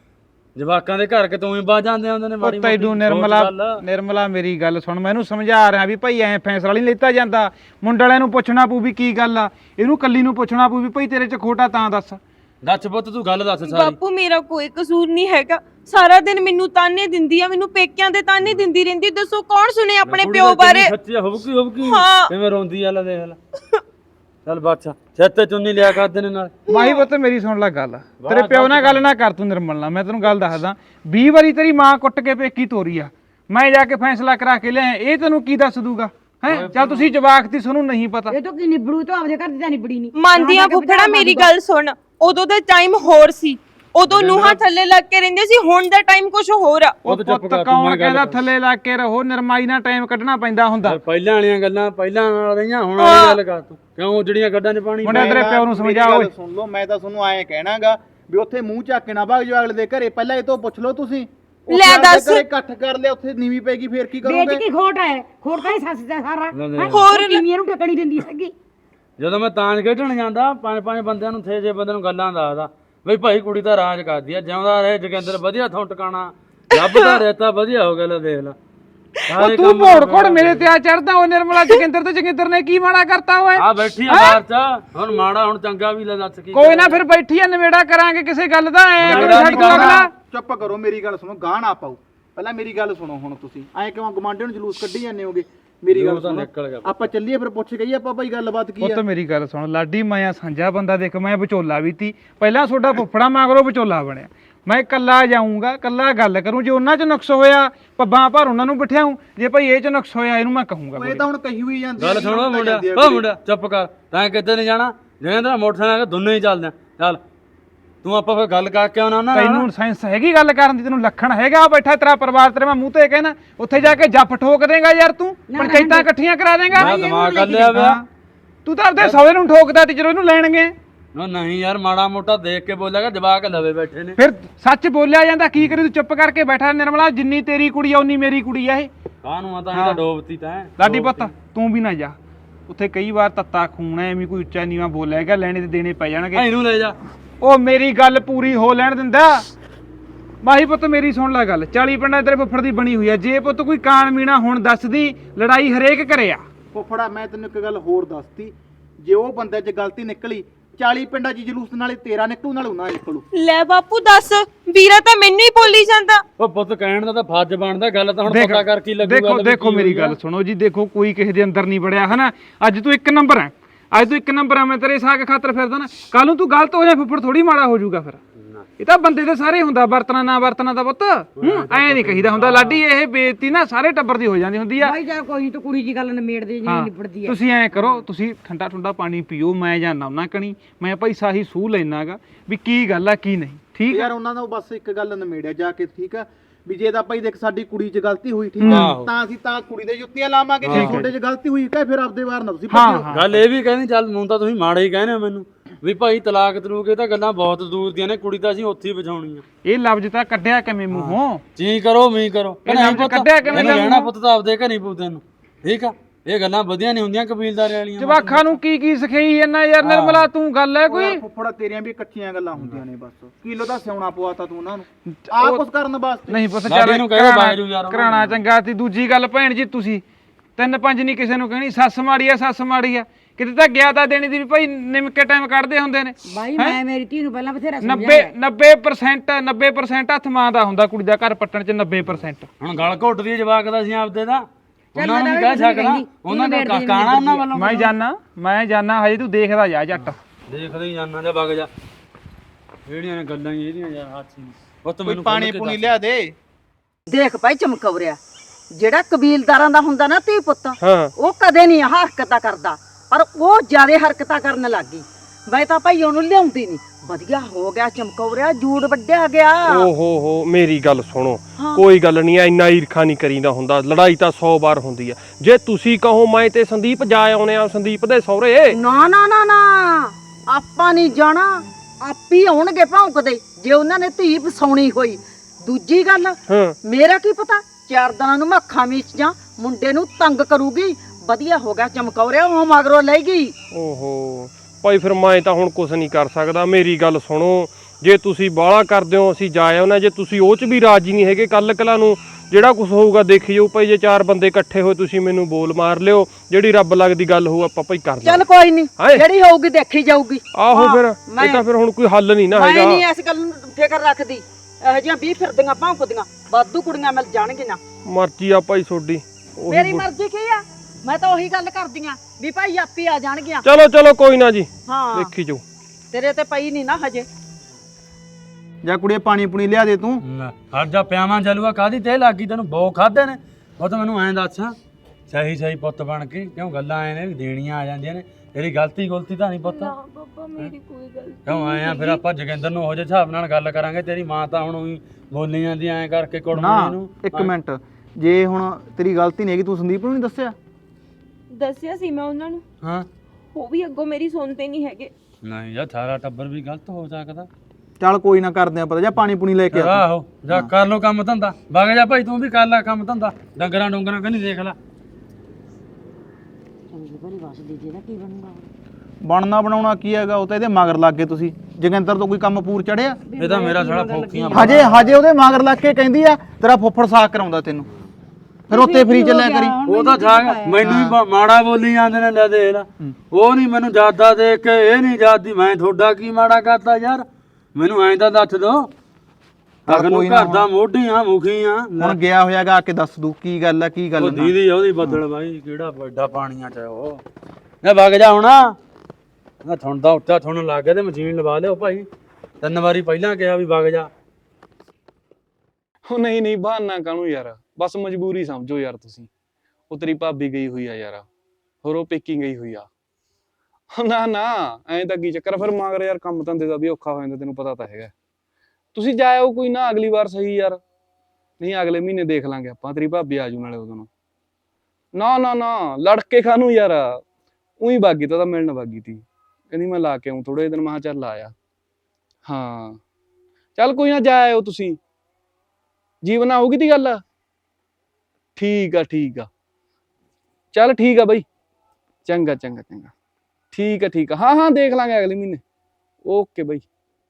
Speaker 6: ਜਵਾਕਾਂ ਦੇ ਘਰ ਕਿ ਤੂੰ ਹੀ ਬਾਜ ਜਾਂਦੇ ਹੁੰਦੇ ਨੇ ਮਾੜੀ
Speaker 8: ਉਹ ਤੈਨੂੰ
Speaker 6: ਮੋਟੀ
Speaker 8: ਨਿਰਮਲਾ
Speaker 6: ਸੋਚ ਗੱਲ।
Speaker 8: ਨਿਰਮਲਾ ਮੇਰੀ ਗੱਲ ਸੁਣ ਮੈਂ ਇਹਨੂੰ ਸਮਝਾ ਰਿਹਾ ਵੀ ਭਾਈ ਐ ਫੈਸਲਾ ਨਹੀਂ ਲਿੱਤਾ ਜਾਂਦਾ। ਮੁੰਡੇ ਵਾਲਿਆਂ ਨੂੰ ਪੁੱਛਣਾ ਪਊ ਵੀ ਕੀ ਗੱਲ ਆ, ਇਹਨੂੰ ਕੱਲੀ ਨੂੰ ਪੁੱਛਣਾ ਪਊ ਵੀ ਭਾਈ ਤੇਰੇ ਚ ਖੋਟਾ ਤਾਂ ਦੱਸ।
Speaker 6: ਦੱਸ ਪੁੱਤ ਤੂੰ ਗੱਲ ਦੱਸ ਸਾਰੀ।
Speaker 1: ਬਾਪੂ ਮੇਰਾ ਕੋਈ ਕਸੂਰ ਨਹੀਂ ਹੈਗਾ। ਸਾਰਾ ਦਿਨ ਮੈਨੂੰ ਤਾਨੇ ਦਿੰਦੀ ਆ, ਮੈਨੂੰ ਪੇਕਿਆਂ ਦੇ ਤਾਨੇ ਦਿੰਦੀ ਰਹਿੰਦੀ। ਦੱਸੋ ਕੌਣ ਸੁਣੇ ਆਪਣੇ ਪਿਓ ਬਾਰੇ?
Speaker 6: ਸੱਚੀ ਹੁਬਕੀ ਹੁਬਕੀ
Speaker 1: ਹਾਂ।
Speaker 6: ਕਿਵੇਂ ਰੋਂਦੀ ਆ ਲੈ ਦੇਖ ਲੈ। ਚੱਲ ਬਾਦਸ਼ਾਹ ਛੇਤੇ ਚੁੰਨੀ ਲਿਆ ਕਰਦੇ ਨੇ ਨਾਲ।
Speaker 8: ਮਾਹੀ ਪੁੱਤ ਮੇਰੀ ਸੁਣ ਲੈ ਗੱਲ, ਤੇਰੇ ਪਿਓ ਨਾਲ ਗੱਲ ਨਾ ਕਰ ਤੂੰ ਨਿਰਮਲ ਨਾਲ। ਮੈਂ ਤੈਨੂੰ ਗੱਲ ਦੱਸਦਾ, ਵੀਹ ਵਾਰੀ ਤੇਰੀ ਮਾਂ ਕੁੱਟ ਕੇ ਪੇਕੀ ਤੋਰੀ ਆ, ਮੈਂ ਜਾ ਕੇ ਫੈਸਲਾ ਕਰਾ ਕੇ ਲਿਆ, ਇਹ ਤੈਨੂੰ ਕੀ ਦੱਸ ਦੂਗਾ ਹੈ? ਚੱਲ ਤੁਸੀਂ ਜਵਾਕ ਦੀ ਸੁਣੂ ਨਹੀਂ ਪਤਾ।
Speaker 2: ਇਹ ਤਾਂ ਕੀ ਨਿਬੜੂ ਤਾਂ ਆਪਦੇ ਘਰ ਦੀ ਤਾਂ ਨਿਬੜੀ ਨਹੀਂ।
Speaker 1: ਮੰਨਦੀ ਆ ਫੁੱਫੜਾ, ਮੇਰੀ ਗੱਲ ਸੁਣ। ਉਦੋਂ ਦਾ ਟਾਈਮ ਹੋਰ ਸੀ, ਉਦੋਂ ਨੂੰਹਾਂ ਥੱਲੇ ਲੱਗ ਕੇ ਰਹਿੰਦੇ ਸੀ, ਹੁਣ ਦਾ ਟਾਈਮ ਕੁਝ ਹੋਰ ਆ।
Speaker 8: ਉਹ ਪੁੱਤ ਕੌਣ ਕਹਿੰਦਾ ਥੱਲੇ ਲਾ ਕੇ ਰਹੋ, ਨਰਮਾਈ ਨਾਲ ਟਾਈਮ ਕੱਢਣਾ ਪੈਂਦਾ ਹੁੰਦਾ।
Speaker 6: ਪਹਿਲਾਂ ਵਾਲੀਆਂ ਗੱਲਾਂ ਪਹਿਲਾਂ ਨਾਲ ਰਹੀਆਂ, ਹੁਣ ਵਾਲੀ ਗੱਲ ਕਰ ਤੂੰ। ਕਿਉਂ ਜਿਹੜੀਆਂ ਗੱਡਾਂ 'ਚ ਪਾਣੀ
Speaker 8: ਹੁਣ ਤੇਰੇ ਪਿਓ ਨੂੰ ਸਮਝਾਓ।
Speaker 5: ਸੁਣ ਲਓ, ਮੈਂ ਤਾਂ ਤੁਹਾਨੂੰ ਐਂ ਕਹਿਣਾਗਾ ਵੀ ਉੱਥੇ ਮੂੰਹ ਚੱਕ ਕੇ ਨਾ ਭਾਗ ਜਾਓ ਅਗਲੇ ਦੇ ਘਰੇ, ਪਹਿਲਾਂ ਇਹ ਤੋਂ ਪੁੱਛ ਲਓ ਤੁਸੀਂ।
Speaker 1: ਲੈ ਦੱਸ।
Speaker 5: ਘਰੇ ਇਕੱਠ ਕਰ ਲਿਆ, ਉੱਥੇ ਨੀਵੀਂ ਪੈਗੀ, ਫੇਰ ਕੀ ਕਰੋਗੇ?
Speaker 2: ਬੇਟ ਕੀ ਖੋਟ ਹੈ? ਖੋਟ ਤਾਂ ਹੀ ਸੱਸ ਦਾ ਸਾਰਾ।
Speaker 1: ਹੋਰ
Speaker 2: ਤੀਵੀਆਂ ਨੂੰ ਟਕਣੀ ਦਿੰਦੀ ਹੈਗੀ।
Speaker 6: ਜਦੋਂ ਮੈਂ ਤਾਂਜ ਖੇਡਣ ਜਾਂਦਾ, ਪੰਜ ਪੰਜ ਬੰਦਿਆਂ ਨੂੰ ਛੇ ਛੇ ਬੰਦਿਆਂ ਨੂੰ ਗੱਲਾਂ ਦੱਸਦਾ ਬਈ ਭਾਈ ਕੁੜੀ ਤਾਂ ਰਾਜ ਕਰਦੀ ਆ, ਜਿਉਂਦਾ ਰਹੇ ਜੋਗਿੰਦਰ, ਵਧੀਆ ਥੋਂ ਟਿਕਾਣਾ ਲੱਭਦਾ ਰਹਿਤਾ, ਵਧੀਆ ਹੋ ਗਿਆ। ਲੈ ਦੇਖ ਲੈ
Speaker 8: ਉਹ ਤੂੰ ਭੋੜ ਕੋੜ ਮੇਰੇ ਤੇ ਆ ਚੜਦਾ। ਉਹ ਨਿਰਮਲਾ ਜੋਗਿੰਦਰ ਤੇ ਜੋਗਿੰਦਰ ਨੇ ਕੀ ਮਾੜਾ ਕਰਤਾ ਓਏ?
Speaker 6: ਆ ਬੈਠੀ ਆ ਬਾਹਰ ਚ, ਹੁਣ ਮਾੜਾ ਹੁਣ ਚੰਗਾ ਵੀ ਲੈ ਦੱਸ ਕੀ।
Speaker 8: ਕੋਈ ਨਾ ਫਿਰ ਬੈਠੀ ਆ, ਨਵੇੜਾ ਕਰਾਂਗੇ ਕਿਸੇ ਗੱਲ ਦਾ। ਐ ਛੱਡ ਤੂੰ ਅਗਲਾ।
Speaker 5: ਚੁੱਪ ਕਰੋ, ਮੇਰੀ ਗੱਲ ਸੁਣੋ, ਗਾਹ ਨਾ ਪਾਓ। ਪਹਿਲਾਂ ਮੇਰੀ ਗੱਲ ਸੁਣੋ। ਹੁਣ ਤੁਸੀਂ ਐਂ ਕਿਉਂ ਗਮਾਂਡੇ ਨੂੰ ਜਲੂਸ ਕੱਢੀ ਜਾਂਦੇ ਹੋਗੇ? ਮੇਰੀ ਗੱਲ ਸੁਣੋ, ਆਪਾਂ ਚੱਲੀਏ ਫਿਰ ਪੁੱਛ ਗਈ ਆਪਾਂ ਭਾਈ ਗੱਲਬਾਤ ਕੀ
Speaker 8: ਉਹ
Speaker 5: ਆ।
Speaker 8: ਤਾਂ ਮੇਰੀ ਗੱਲ ਸੁਣ ਲਾਡੀ, ਮੈਂ ਸਾਂਝਾ ਬੰਦਾ, ਦੇਖ ਮੈਂ ਵਿਚੋਲਾ ਵੀ ਤੀ ਪਹਿਲਾਂ, ਤੁਹਾਡਾ ਫੁੱਫੜਾ ਮਗਰੋਂ ਵਿਚੋਲਾ ਬਣਿਆ। ਮੈਂ ਇਕੱਲਾ ਜਾਊਂਗਾ, ਇਕੱਲਾ ਗੱਲ ਕਰੂੰ। ਜੇ ਉਹਨਾਂ 'ਚ ਨੁਕਸ ਹੋਇਆ ਪੱਬਾਂ ਭਰ ਉਹਨਾਂ ਨੂੰ ਬਿਠਾਊਂ, ਜੇ ਭਾਈ ਇਹ 'ਚ ਨੁਕਸ ਹੋਇਆ ਇਹਨੂੰ ਮੈਂ ਕਹੂੰਗਾ।
Speaker 5: ਇਹ ਤਾਂ ਹੁਣ ਕਹੀ ਹੋਈ ਜਾਂਦੀ
Speaker 6: ਗੱਲ ਸੁਣੋ ਮੁੰਡਿਆ, ਓ ਮੁੰਡਿਆ ਚੁੱਪ ਕਰ। ਤੈਂ ਕਿੱਥੇ ਨਹੀਂ ਜਾਣਾ, ਜਿਵੇਂ ਤੇਰਾ ਮੋਟਰਸਾਈਕਲ ਦੋਨੇ ਹੀ ਚੱਲਦੇ ਆ। ਚੱਲ ਤੂੰ ਆਪਾਂ ਫਿਰ ਗੱਲ ਕਰਕੇ ਆਉਣਾ ਨਾ।
Speaker 8: ਤੈਨੂੰ ਸਾਇੰਸ ਹੈਗੀ ਗੱਲ ਕਰਨ ਦੀ? ਤੈਨੂੰ ਲੱਖਣ ਹੈਗਾ? ਬੈਠਾ ਤੇਰਾ ਪਰਿਵਾਰ, ਤੇਰੇ ਮੈਂ ਮੂੰਹ ਤੇ ਕਹਿਣਾ, ਉੱਥੇ ਜਾ ਕੇ ਜੱਫ ਠੋਕ ਦੇਗਾ ਯਾਰ। ਤੂੰ ਪੰਚਾਇਤਾਂ ਇਕੱਠੀਆਂ ਕਰਾ ਦੇਗਾ।
Speaker 6: ਮੈਂ ਦਿਮਾਗ ਕਰ ਲਿਆ ਵਾ।
Speaker 8: ਤੂੰ ਤਾਂ ਆਪਦੇ ਸਹੁਰੇ ਨੂੰ ਠੋਕਦਾ ਤੇ ਜਦੋਂ ਇਹਨੂੰ ਲੈਣਗੇ।
Speaker 6: ਉਹ ਨਹੀਂ ਯਾਰ, ਮਾੜਾ ਮੋਟਾ ਦੇਖ ਕੇ ਬੋਲਿਆਗਾ, ਜਵਾਕ ਲਵੇ ਬੈਠੇ ਨੇ।
Speaker 8: ਫਿਰ ਸੱਚ ਬੋਲਿਆ ਜਾਂਦਾ, ਕੀ ਕਰੀ? ਤੂੰ ਚੁੱਪ ਕਰਕੇ ਬੈਠਾ ਨਿਰਮਲਾ, ਜਿੰਨੀ ਤੇਰੀ ਕੁੜੀ ਆ ਉਨੀ ਮੇਰੀ ਕੁੜੀ ਆ ਇਹ।
Speaker 6: ਕਾਹਨੂੰ ਆ ਤਾਂ ਇਹ ਤਾਂ ਡੋਬਤੀ ਤੈਂ।
Speaker 8: ਲਾਡੀ ਪੁੱਤ ਤੂੰ ਵੀ ਨਾ ਜਾ ਉੱਥੇ, ਕਈ ਵਾਰ ਤੱਤਾ ਖੂਨ ਐ, ਐਵੇਂ ਕੋਈ ਉੱਚਾ ਨੀਵਾਂ ਬੋਲਿਆਗਾ, ਲੈਣੇ ਤੇ ਦੇਣੇ ਪੈ ਜਾਣਗੇ।
Speaker 6: ਇਹਨੂੰ ਲੈ ਜਾ।
Speaker 8: ਉਹ ਮੇਰੀ ਗੱਲ ਪੂਰੀ ਹੋ ਲੈਣ ਦਿੰਦਾ। ਮਾਹੀ ਪੁੱਤ ਮੇਰੀ ਸੁਣ ਲੈ ਗੱਲ, ਚਾਲੀ ਪਿੰਡਾਂ ਤੇਰੇ ਫੁੱਫੜ ਦੀ ਬਣੀ ਹੋਈ ਆ। ਜੇ ਪੁੱਤ ਕੋਈ ਕਾਣ ਮੀਣਾ ਹੁਣ ਦੱਸਦੀ, ਲੜਾਈ ਹਰੇਕ ਘਰੇ ਆ।
Speaker 5: ਫੁੱਫੜਾ ਮੈਂ ਤੈਨੂੰ ਇੱਕ ਗੱਲ ਹੋਰ ਦੱਸਤੀ, ਜੇ ਉਹ ਬੰਦੇ 'ਚ ਗਲਤੀ ਨਿਕਲੀ, ਚਾਲੀ ਪਿੰਡਾਂ 'ਚ ਜਲੂਸ ਨਾਲੇ ਤੇਰਾ ਨਿਕਲੂ ਨਾਲੇ ਉਹਨਾਂ ਨਿਕਲੂ।
Speaker 1: ਲੈ ਬਾਪੂ ਦੱਸ, ਵੀਰਾ ਤਾਂ ਮੈਨੂੰ ਹੀ ਬੋਲੀ ਜਾਂਦਾ।
Speaker 6: ਉਹ ਪੁੱਤ ਕਹਿਣ ਦਾ ਤਾਂ ਫਰਜ਼ ਬਣਦਾ, ਗੱਲ ਤਾਂ ਹੁਣ ਪਤਾ ਕਰ ਕੀ ਲੱਗੂਗਾ।
Speaker 8: ਦੇਖੋ ਦੇਖੋ ਮੇਰੀ ਗੱਲ ਸੁਣੋ ਜੀ, ਦੇਖੋ ਕੋਈ ਕਿਸੇ ਦੇ ਅੰਦਰ ਨਹੀਂ ਵੜਿਆ ਹਨਾ। ਅੱਜ ਤੂੰ ਇੱਕ ਨੰਬਰ ਹੈ, ਅੱਜ ਤੂੰ ਇੱਕ ਨੰਬਰ ਆ, ਮੈਂ ਤੇਰੇ ਸਾਗ ਖਾਤਰ ਫਿਰਦਾ ਨਾ। ਕੱਲ ਨੂੰ ਤੂੰ ਗਲਤ ਹੋ ਜਾ, ਫੁੱਫੜ ਥੋੜੀ ਮਾੜਾ ਹੋ ਜਾਊਗਾ। ਫਿਰ ਇਹ ਤਾਂ ਬੰਦੇ ਦੇ ਸਾਰੇ ਹੁੰਦਾ, ਵਰਤਣਾ ਨਾ ਵਰਤਣਾ ਦਾ ਪੁੱਤ। ਹੂੰ ਐ ਨਹੀਂ ਕਹੀਦਾ ਹੁੰਦਾ ਲਾਡੀ, ਇਹ ਬੇਇੱਜ਼ਤੀ ਨਾ ਸਾਰੇ ਟੱਬਰ ਦੀ ਹੋ ਜਾਂਦੀ ਹੁੰਦੀ ਆ।
Speaker 2: ਭਾਈ ਜਾ ਕੋਈ ਨਹੀਂ, ਤੂੰ ਕੁੜੀ ਦੀ ਗੱਲ ਨਿਬੇੜ ਦੇ ਜਿਵੇਂ ਨਿਬੜਦੀ ਆ।
Speaker 8: ਤੁਸੀਂ ਐਂ ਕਰੋ, ਤੁਸੀਂ ਠੰਡਾ ਠੰਡਾ ਪਾਣੀ ਪੀਓ, ਮੈਂ ਜਾਂਦਾ ਉਹਨਾਂ ਕਣੀ, ਮੈਂ ਭਾਈ ਸਾਹੀ ਸੂਹ ਲੈਣਾਗਾ ਵੀ ਕੀ ਗੱਲ ਆ ਕੀ ਨਹੀਂ। ਠੀਕ
Speaker 5: ਯਾਰ ਉਹਨਾਂ ਦਾ ਬਸ ਇੱਕ ਗੱਲ ਨਿਮੇੜਿਆ ਜਾ ਕੇ, ਠੀਕ ਆ ਵੀ ਜੇ ਤਾਂ ਭਾਈ ਦੇਖ ਸਾਡੀ ਕੁੜੀ 'ਚ ਗਲਤੀ ਹੋਈ, ਠੀਕ ਆ, ਤਾਂ ਅਸੀਂ ਤਾਂ ਕੁੜੀ ਦੇ ਜੁੱਤੀਆਂ ਲਾਵਾਂਗੇ। ਜੇ ਤੁਹਾਡੇ 'ਚ ਗਲਤੀ ਹੋਈ ਕਹੇ ਫਿਰ ਆਪਦੇ ਵਾਰ ਨਾ ਤੁਸੀਂ ਭੱਜੋ।
Speaker 6: ਗੱਲ ਇਹ ਵੀ ਕਹਿੰਦੀ, ਚੱਲ ਨੂੰ ਤਾਂ ਤੁਸੀਂ ਮਾੜਾ ਹੀ ਕਹਿੰਦੇ ਹੋ ਮੈਨੂੰ ਵੀ ਭਾਈ ਤਲਾਕ ਤਲੂਕ ਇਹ ਤਾਂ ਗੱਲਾਂ ਬਹੁਤ ਦੂਰ ਦੀਆਂ ਨੇ, ਕੁੜੀ ਤਾਂ ਅਸੀਂ ਉੱਥੇ ਹੀ ਬਚਾਉਣੀ ਆ।
Speaker 8: ਇਹ ਲਫ਼ਜ਼ ਤਾਂ ਕੱਢਿਆ ਕਿਵੇਂ ਮੂੰਹੋਂ?
Speaker 6: ਜੀ ਕਰੋ ਮੀ ਕਰੋ,
Speaker 8: ਇਹ ਲਫ਼ਜ਼ ਕੱਢਿਆ ਕਿਵੇਂ?
Speaker 6: ਰਹਿਣਾ ਪੁੱਤ ਤਾਂ ਆਪਦੇ ਘਰ ਹੀ ਪੂ ਤੈਨੂੰ, ਠੀਕ ਆ। ਇਹ ਗੱਲਾਂ ਵਧੀਆ ਨਹੀਂ ਹੁੰਦੀਆਂ ਕਬੀਲਦਾਰੀ ਵਾਲੀਆਂ।
Speaker 8: ਜਵਾਖਾਂ ਨੂੰ ਕੀ ਕੀ ਸਿਖਾਈ ਇਹਨਾਂ ਯਾਰ ਨਿਰਮਲਾ, ਤੂੰ ਗੱਲ ਹੈ ਕੋਈ?
Speaker 5: ਫੁੱਫੜਾ ਤੇਰੀਆਂ ਵੀ ਕੱਚੀਆਂ ਗੱਲਾਂ ਹੁੰਦੀਆਂ ਨੇ, ਬਸ ਕਿਲੋ ਦਾ ਸਿਉਣਾ ਪਵਾਤਾ ਤੂੰ ਉਹਨਾਂ ਨੂੰ ਆਹ ਕੁਝ ਕਰਨ ਵਾਸਤੇ।
Speaker 8: ਨਹੀਂ ਪੁੱਤ
Speaker 6: ਲਾਡੀ
Speaker 8: ਚੱਲ
Speaker 6: ਨੂੰ ਕਹਿਓ ਬਾਜੂ ਯਾਰ ਉਹਨਾਂ
Speaker 8: ਕਰਾਣਾ ਚੰਗਾ ਤੀ। ਦੂਜੀ ਗੱਲ ਭੈਣ ਜੀ, ਤੁਸੀਂ ਤਿੰਨ ਪੰਜ ਨਹੀਂ ਕਿਸੇ ਨੂੰ ਕਹਿਣੀ, ਸੱਸ ਮਾੜੀ ਆ ਸੱਸ ਮਾੜੀ ਆ। ਕਿਤੇ ਤਾਂ ਗਿਆ ਤਾਂ ਦੇਣੀ ਦੀ ਵੀ ਭਾਈ ਨਿਮਕੇ ਟਾਈਮ ਕੱਢਦੇ ਹੁੰਦੇ ਨੇ।
Speaker 2: ਭਾਈ ਮੈਂ ਮੇਰੀ ਧੀ ਨੂੰ ਪਹਿਲਾਂ ਬਥੇਰਾ
Speaker 8: ਨੱਬੇ ਨੱਬੇ ਪਰਸੈਂਟ ਨੱਬੇ ਪਰਸੈਂਟ ਹੱਥ ਮਾਂ ਦਾ ਹੁੰਦਾ, ਕੁੜੀ ਦਾ ਘਰ ਪੱਟਣ ਚ ਨੱਬੇ ਪਰਸੈਂਟ।
Speaker 6: ਹੁਣ ਗਲ ਘੁੱਟਦੀ ਜਵਾਕ ਦਾ ਸੀ ਆਪਦੇ ਦਾ, ਉਹਨਾਂ ਨੂੰ ਵੀ ਕਹਿ ਸਕਦਾ, ਉਹਨਾਂ ਦਾ ਕਾਣਾ ਉਹਨਾਂ ਵੱਲੋਂ।
Speaker 8: ਮੈਂ ਜਾਣਾ ਮੈਂ ਜਾਣਾ ਹਜੇ ਤੂੰ ਦੇਖਦਾ ਜਾ ਜੱਟ।
Speaker 6: ਦੇਖਦਾ ਹੀ ਜਾਨਾ ਜਾਂ ਵਗ ਜਾ। ਜਿਹੜੀਆਂ ਨੇ ਗੱਲਾਂ ਹੀ ਇਹਦੀਆਂ ਯਾਰ ਹਾਥੀ ਉਹ ਤਾਂ ਮੈਨੂੰ
Speaker 5: ਪਾਣੀ ਪੂਣੀ ਲਿਆ ਦੇ।
Speaker 4: ਦੇਖ ਭਾਈ ਚਮਕੌਰਿਆ, ਜਿਹੜਾ ਕਬੀਲਦਾਰਾਂ ਦਾ ਹੁੰਦਾ ਨਾ ਧੀ ਪੁੱਤ,
Speaker 7: ਹਾਂ
Speaker 4: ਉਹ ਕਦੇ ਨਹੀਂ ਆਹ ਹਰਕਤਾਂ ਕਰਦਾ, ਪਰ ਉਹ ਜ਼ਿਆਦਾ ਹਰਕਤਾਂ ਕਰਨ ਲੱਗੀ। ਮੈਂ ਤਾਂ ਭਾਈ ਉਹਨੂੰ ਲਿਆਉਂਦੀ ਨਹੀਂ। ਵਧੀਆ ਹੋ ਗਿਆ ਚਮਕੌਰਿਆ, ਜੂੜ ਵੱਢਿਆ ਗਿਆ।
Speaker 7: ਓ ਹੋ ਹੋ ਮੇਰੀ ਗੱਲ ਸੁਣੋ, ਕੋਈ ਗੱਲ ਨਹੀਂ, ਇੰਨਾ ਈਰਖਾ ਨਹੀਂ ਕਰੀਦਾ ਹੁੰਦਾ, ਲੜਾਈ ਤਾਂ ਸੌ ਵਾਰ ਹੁੰਦੀ ਆ। ਜੇ ਤੁਸੀਂ ਕਹੋ ਮੈਂ ਤੇ ਸੰਦੀਪ ਜਾ ਆਉਨੇ ਆ ਸੰਦੀਪ ਦੇ ਸਹੁਰੇ,
Speaker 4: ਨਾ ਨਾ ਨਾ ਨਾ, ਆਪਾਂ ਨਹੀਂ ਜਾਣਾ, ਆਪੀ ਆਉਣਗੇ ਭੌਂਕਦੇ ਜੇ ਉਹਨਾਂ ਨੇ ਧੀ ਵਸਾਉਣੀ ਹੋਈ। ਦੂਜੀ ਗੱਲ,
Speaker 7: ਹਾਂ
Speaker 4: ਮੇਰਾ ਕੀ ਪਤਾ, ਚਾਰ ਦਿਨਾਂ ਨੂੰ ਮੈਂ ਅੱਖਾਂ ਮੀਚ ਜਾਂ ਮੁੰਡੇ ਨੂੰ ਤੰਗ ਕਰੂਗੀ। ਵਧੀਆ ਹੋ ਗਿਆ ਚਮਕੌਰਿਆ, ਉਹ ਮਗਰੋਂ ਲੈ ਗਈ।
Speaker 7: ਓਹੋ ਭਾਈ ਫਿਰ ਮੈਂ ਤਾਂ ਹੁਣ ਕੁਝ ਨਹੀਂ ਕਰ ਸਕਦਾ। ਮੇਰੀ ਗੱਲ ਸੁਣੋ, ਜੇ ਤੁਸੀਂ ਬਾਹਲਾ ਕਰਦੇ ਹੋ ਅਸੀਂ ਜਾ ਆਉਣਾ, ਜੇ ਤੁਸੀਂ ਉਹ 'ਚ ਵੀ ਰਾਜੀ ਨਹੀਂ ਹੈਗੇ ਕੱਲ ਕਲਾ ਨੂੰ ਜਿਹੜਾ ਕੁਝ ਹੋਊਗਾ ਦੇਖੀ ਜਾਊ ਭਾਈ। ਜੇ ਚਾਰ ਬੰਦੇ ਇਕੱਠੇ ਹੋਏ ਤੁਸੀਂ ਮੈਨੂੰ ਬੋਲ ਮਾਰ ਲਿਓ, ਜਿਹੜੀ ਰੱਬ ਲੱਗਦੀ ਗੱਲ ਹੋਊ ਆਪਾਂ ਭਾਈ ਕਰ
Speaker 4: ਚੱਲ
Speaker 7: ਲਾਂਗੇ।
Speaker 4: ਕੋਈ ਨਹੀਂ,
Speaker 7: ਹਾਏ।
Speaker 4: ਜਿਹੜੀ ਹੋਊਗੀ ਦੇਖੀ ਜਾਊਗੀ।
Speaker 7: ਆਹੋ
Speaker 4: ਹਾਂ,
Speaker 7: ਫਿਰ
Speaker 4: ਮੈਂ-
Speaker 7: ਇਹ ਤਾਂ ਫਿਰ ਹੁਣ ਕੋਈ ਹੱਲ ਨਹੀਂ ਨਾ
Speaker 4: ਮੈਂ
Speaker 7: ਹੈਗਾ।
Speaker 4: ਨਹੀਂ ਇਸ ਗੱਲ ਨੂੰ ਫਿਕਰ ਰੱਖਦੀ, ਇਹੋ ਜਿਹੀਆਂ ਵੀਹ ਫਿਰਦੀਆਂ ਭੌਂਕਦੀਆਂ ਵਾਧੂ ਕੁੜੀਆਂ ਮਿਲ ਜਾਣਗੀਆਂ।
Speaker 7: ਮਰਜ਼ੀ ਆ ਭਾਈ ਤੁਹਾਡੀ। ਉਹੀ
Speaker 4: ਮੇਰੀ
Speaker 7: ਬੋ-
Speaker 4: ਮਰਜ਼ੀ ਕੀ ਆ, ਮੈਂ ਤਾਂ ਉਹੀ ਗੱਲ ਕਰਦੀ ਆ ਵੀ ਭਾਈ ਆਪੇ ਆ ਜਾਣਗੀਆਂ।
Speaker 7: ਚਲੋ ਚਲੋ ਕੋਈ ਨਾ ਜੀ,
Speaker 4: ਹਾਂ
Speaker 7: ਦੇਖੀ ਜਾਊ।
Speaker 4: ਤੇਰੇ ਤੇ ਪਈ ਨਹੀਂ ਨਾ ਹਜੇ।
Speaker 5: ਜਾਂ ਕੁੜੀਏ ਪਾਣੀ ਪੂਣੀ ਲਿਆ ਦੇ ਤੂੰ।
Speaker 6: ਹਟ ਜਾ ਪਿਆਵਾਂ ਜਲੂਆ ਕਾਦੀ ਤੇ ਲੱਗੀ ਤੈਨੂੰ ਬਹੁ ਖਾਦੇ ਨੇ। ਉਹ ਤਾਂ ਮੈਨੂੰ ਐਂ ਦੱਸ ਸਹੀ ਸਹੀ ਪੁੱਤ ਬਣ ਕੇ ਕਿਉਂ ਗੱਲਾਂ ਆਏ ਨੇ ਵੀ ਦੇਣੀਆਂ ਆ ਜਾਂਦੀਆਂ ਨੇ, ਤੇਰੀ ਗਲਤੀ ਗਲਤੀ ਤਾਂ ਨਹੀਂ ਪੁੱਤ।
Speaker 1: ਨਾ ਪਾਪਾ ਮੇਰੀ ਕੋਈ ਗਲਤੀ
Speaker 6: ਕਿਉਂ ਆਏ ਆ ਫਿਰ ਆਪਾਂ ਜੋਗਿੰਦਰ ਨੂੰ ਉਹੋ ਜਿਹੇ ਹਿਸਾਬ ਨਾਲ ਗੱਲ ਕਰਾਂਗੇ। ਤੇਰੀ ਮਾਂ ਤਾਂ ਹੁਣ ਉਹੀ ਬੋਲੀ ਜਾਂਦੀ ਐਂ ਕਰਕੇ
Speaker 5: ਨਾ
Speaker 6: ਕੁੜਮਣੀ ਨੂੰ।
Speaker 5: ਇੱਕ ਮਿੰਟ, ਜੇ ਹੁਣ ਤੇਰੀ ਗਲਤੀ ਨਹੀਂ ਹੈਗੀ ਤੂੰ ਸੰਦੀਪ ਨੂੰ ਨਹੀਂ ਦੱਸਿਆ?
Speaker 1: ਦੱਸਿਆ ਸੀ ਮੈਂ ਉਹਨਾਂ ਨੂੰ,
Speaker 6: ਹਾਂ
Speaker 1: ਉਹ ਵੀ ਅੱਗੋਂ ਮੇਰੀ ਸੁਣਦੇ ਨਹੀਂ ਹੈਗੇ।
Speaker 6: ਨਹੀਂ ਯਾਰ ਸਾਰਾ ਟੱਬਰ ਵੀ ਗਲਤ ਹੋ ਸਕਦਾ।
Speaker 5: ਚੱਲ ਕੋਈ ਨਾ ਕਰਦੇ ਆ ਪਤਾ, ਜਾਂ ਪਾਣੀ ਪੂਣੀ ਲੈ ਕੇ ਆ ਤੂੰ।
Speaker 6: ਆਹੋ ਜਾ ਕਰ ਲੋ ਕੰਮ ਧੰਦਾ, ਵਗ ਜਾ ਭਾਈ ਤੂੰ ਵੀ ਕਰ ਲੈ ਕੰਮ ਧੰਦਾ, ਡੰਗਰਾਂ ਡੁੰਗਰਾਂ ਕਹਿੰਦੀ ਦੇਖ ਲੈ।
Speaker 5: ਬਣਨਾ ਬਣਾਉਣਾ ਕੀ ਹੈਗਾ, ਉਹ ਤਾਂ ਇਹਦੇ ਮਗਰ ਲੱਗ ਗਏ ਤੁਸੀਂ। ਜੋਗਿੰਦਰ ਤੋਂ ਕੋਈ ਕੰਮ ਪੂਰ ਚੜਿਆ?
Speaker 6: ਇਹ ਤਾਂ ਮੇਰਾ ਸਾਲਾ ਫੋਕੀਆਂ
Speaker 5: ਹਜੇ ਹਜੇ ਉਹਦੇ ਮਗਰ ਲੱਗ ਕੇ ਕਹਿੰਦੀ ਆ ਤੇਰਾ ਫੁੱਫੜ ਸਾਕ ਕਰਾਉਂਦਾ ਤੈਨੂੰ, ਫਿਰ ਉੱਤੇ ਫਰੀ ਚੱਲਿਆ ਕਰੀ।
Speaker 6: ਉਹ ਤਾਂ ਜਾ ਮੈਨੂੰ ਵੀ ਬ- ਮਾੜਾ ਬੋਲੀ ਜਾਂਦੇ ਨੇ, ਲੈ ਦੇ ਲੈ। ਉਹ ਨਹੀਂ ਮੈਨੂੰ ਜਾਦਾ ਦੇਖ ਕੇ ਇਹ ਨਹੀਂ ਜਾਦੀ, ਮੈਂ ਤੁਹਾਡਾ ਕੀ ਮਾੜਾ ਕਰਤਾ ਯਾਰ, ਮੈਨੂੰ ਐਂ ਤਾਂ ਦੱਸ ਦੋ। ਅਗਰ ਨੂੰ ਘਰ ਦਾ ਮੋਢੀ ਆ ਮੁਖੀ ਆ।
Speaker 5: ਹੁਣ ਗਿਆ ਹੋਇਆਗਾ ਆ ਕੇ ਦੱਸ ਦੂ ਕੀ ਗੱਲ ਆ ਕੀ ਗੱਲ
Speaker 6: ਉਹ
Speaker 5: ਨਾ।
Speaker 6: ਦੀਦੀ ਉਹਦੀ ਬੱਦਲ ਬਾਈ ਕਿਹੜਾ ਵੱਡਾ ਪਾਣੀਆਂ ਚ ਉਹ ਨਾ ਵਗ ਜਾ ਹੁਣ। ਨਾ ਥੁਣਦਾ ਉੱਚਾ ਥੁਣਨ ਲੱਗ ਗਿਆ ਤੇ ਮਸ਼ੀਨ ਲਵਾ ਲਿਓ ਭਾਈ, ਤਿੰਨ ਵਾਰੀ ਪਹਿਲਾਂ ਕਿਹਾ ਵੀ ਵਗ ਜਾ।
Speaker 3: ਉਹ ਨਹੀਂ ਨਹੀਂ ਬਹਾਨਾ ਕਾਹਨੂੰ ਯਾਰ, ਬਸ ਮਜਬੂਰੀ ਸਮਝੋ ਯਾਰ ਤੁਸੀਂ। ਉਹ ਤੇਰੀ ਭਾਬੀ ਗਈ ਹੋਈ ਆ ਯਾਰ, ਹੋਰ ਉਹ ਪੇਕੀ ਗਈ ਹੋਈ ਆ। ਨਾ ਨਾ ਐਂ ਤਾਂ ਕੀ ਚੱਕਰ, ਫਿਰ ਮਗਰ ਯਾਰ ਕੰਮ ਧੰਦੇ ਦਾ ਵੀ ਔਖਾ ਹੋ ਜਾਂਦਾ, ਤੈਨੂੰ ਪਤਾ ਤਾਂ ਹੈਗਾ। ਤੁਸੀਂ ਜਾਇਓ ਕੋਈ ਨਾ ਅਗਲੀ ਵਾਰ ਸਹੀ ਯਾਰ, ਨਹੀਂ ਅਗਲੇ ਮਹੀਨੇ ਦੇਖ ਲਾਂਗੇ ਆਪਾਂ, ਤੇਰੀ ਭਾਬੀ ਆ ਜੂ ਨਾਲੇ ਉਦੋਂ ਨੂੰ। ਨਾ ਨਾ ਨਾ ਲੜਕੇ ਖਾਨੂੰ ਯਾਰ, ਉਹੀ ਬਾਗੀ ਤਾਂ ਮਿਲਣ ਬਾਗੀ ਤੀ, ਕਹਿੰਦੀ ਮੈਂ ਲਾ ਕੇ ਆਉਂ ਥੋੜੇ ਦਿਨ, ਮੈਂ ਕਿਹਾ ਚੱਲ ਆਇਆ। ਹਾਂ ਚੱਲ ਕੋਈ ਨਾ ਜਾ ਆਇਓ ਤੁਸੀਂ, ਜੀਵਨ ਆਊਗੀ ਤੀ ਗੱਲ। ਠੀਕ ਆ ਠੀਕ ਆ, ਚੱਲ ਠੀਕ ਆ ਬਈ, ਚੰਗਾ ਚੰਗਾ ਚੰਗਾ, ਠੀਕ ਆ ਠੀਕ ਆ, ਹਾਂ ਹਾਂ ਦੇਖ ਲਾਂਗੇ ਅਗਲੇ ਮਹੀਨੇ। ਓਕੇ ਬਈ।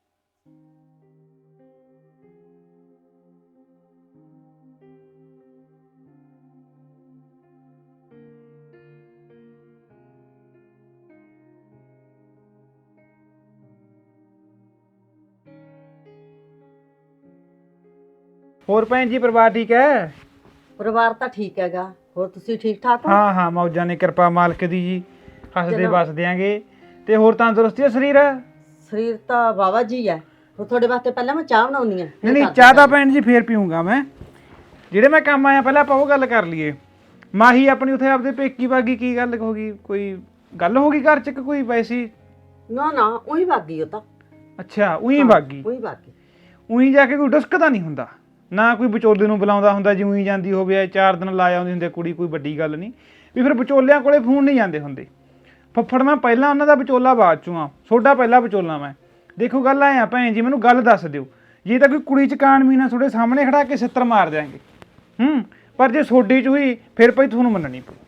Speaker 8: ਹੋਰ ਭੈਣ ਜੀ ਪਰਿਵਾਰ ਠੀਕ ਹੈ?
Speaker 4: ਪਰਿਵਾਰ ਤਾਂ ਠੀਕ ਹੈਗਾ, ਹੋਰ ਤੁਸੀਂ ਠੀਕ ਠਾਕ ਹੋ?
Speaker 8: ਹਾਂ ਹਾਂ ਮੌਜਾਂ ਨੇ, ਕਿਰਪਾ ਮਾਲਕ ਦੀ ਜੀ, ਹੱਸਦੇ ਵਸਦੇ ਆਂਗੇ। ਤੇ ਹੋਰ ਤੰਦਰੁਸਤੀ ਹੈ ਸਰੀਰ?
Speaker 4: ਸਰੀਰ ਤਾਂ ਬਾਬਾ ਜੀ ਹੈ। ਹੋਰ ਤੁਹਾਡੇ ਵਾਸਤੇ ਪਹਿਲਾਂ ਮੈਂ ਚਾਹ ਬਣਾਉਣੀ ਆ।
Speaker 8: ਨਹੀਂ ਨਹੀਂ ਚਾਹ ਤਾਂ ਭੈਣ ਜੀ ਫੇਰ ਪੀਊਂਗਾ ਮੈਂ। ਜਿਹੜੇ ਮੈਂ ਕੰਮ ਆਇਆ ਪਹਿਲਾਂ ਆਪਾਂ ਉਹ ਗੱਲ ਕਰ ਲਈਏ। ਮਾਹੀ ਆਪਣੀ ਉੱਥੇ ਆਪਦੇ ਪੇਕੀ ਬਾਗੀ, ਕੀ ਗੱਲ ਹੋ ਗਈ? ਕੋਈ ਗੱਲ ਹੋ ਗਈ ਘਰ ਚ ਕਿ ਕੋਈ ਵੈਸੀ?
Speaker 4: ਨਾ ਨਾ ਉਹੀ ਬਾਗੀ ਉਹ ਤਾਂ।
Speaker 8: ਅੱਛਾ ਉਹੀ ਬਾਗੀ,
Speaker 4: ਉਹੀ ਬਾਗੀ।
Speaker 8: ਉਹੀ ਜਾ ਕੇ ਕੋਈ ਡਸਕਦਾ ਨਹੀਂ ਹੁੰਦਾ ਨਾ, ਕੋਈ ਵਿਚੋਲੇ ਨੂੰ ਬੁਲਾਉਂਦਾ ਹੁੰਦਾ ਜੀ ਉਹੀ ਜਾਂਦੀ ਹੋਵੇ, ਚਾਰ ਦਿਨ ਲਾ ਆਉਂਦੀ ਹੁੰਦੀ ਕੁੜੀ, ਕੋਈ ਵੱਡੀ ਗੱਲ ਨਹੀਂ। ਵੀ ਫਿਰ ਵਿਚੋਲਿਆਂ ਕੋਲੇ ਫੋਨ ਨਹੀਂ ਜਾਂਦੇ ਹੁੰਦੇ। ਫੱਫੜ ਮੈਂ ਪਹਿਲਾਂ ਉਹਨਾਂ ਦਾ ਵਿਚੋਲਾ ਬਾਅਦ ਚੋਂ ਆ, ਤੁਹਾਡਾ ਪਹਿਲਾਂ ਵਿਚੋਲਾ ਮੈਂ। ਦੇਖੋ ਗੱਲ ਐ ਆ ਭੈਣ ਜੀ, ਮੈਨੂੰ ਗੱਲ ਦੱਸ ਦਿਓ, ਜੇ ਤਾਂ ਕੋਈ ਕੁੜੀ ਚ ਕਾਣਮੀ ਨਾ ਤੁਹਾਡੇ ਸਾਹਮਣੇ ਖੜਾ ਕੇ ਛਿੱਤਰ ਮਾਰ ਦਿਆਂਗੇ, ਹੂੰ, ਪਰ ਜੇ ਸੋਡੀ ਚ ਹੋਈ ਫਿਰ ਭਾਈ ਤੁਹਾਨੂੰ ਮੰਨਣੀ ਪਊ।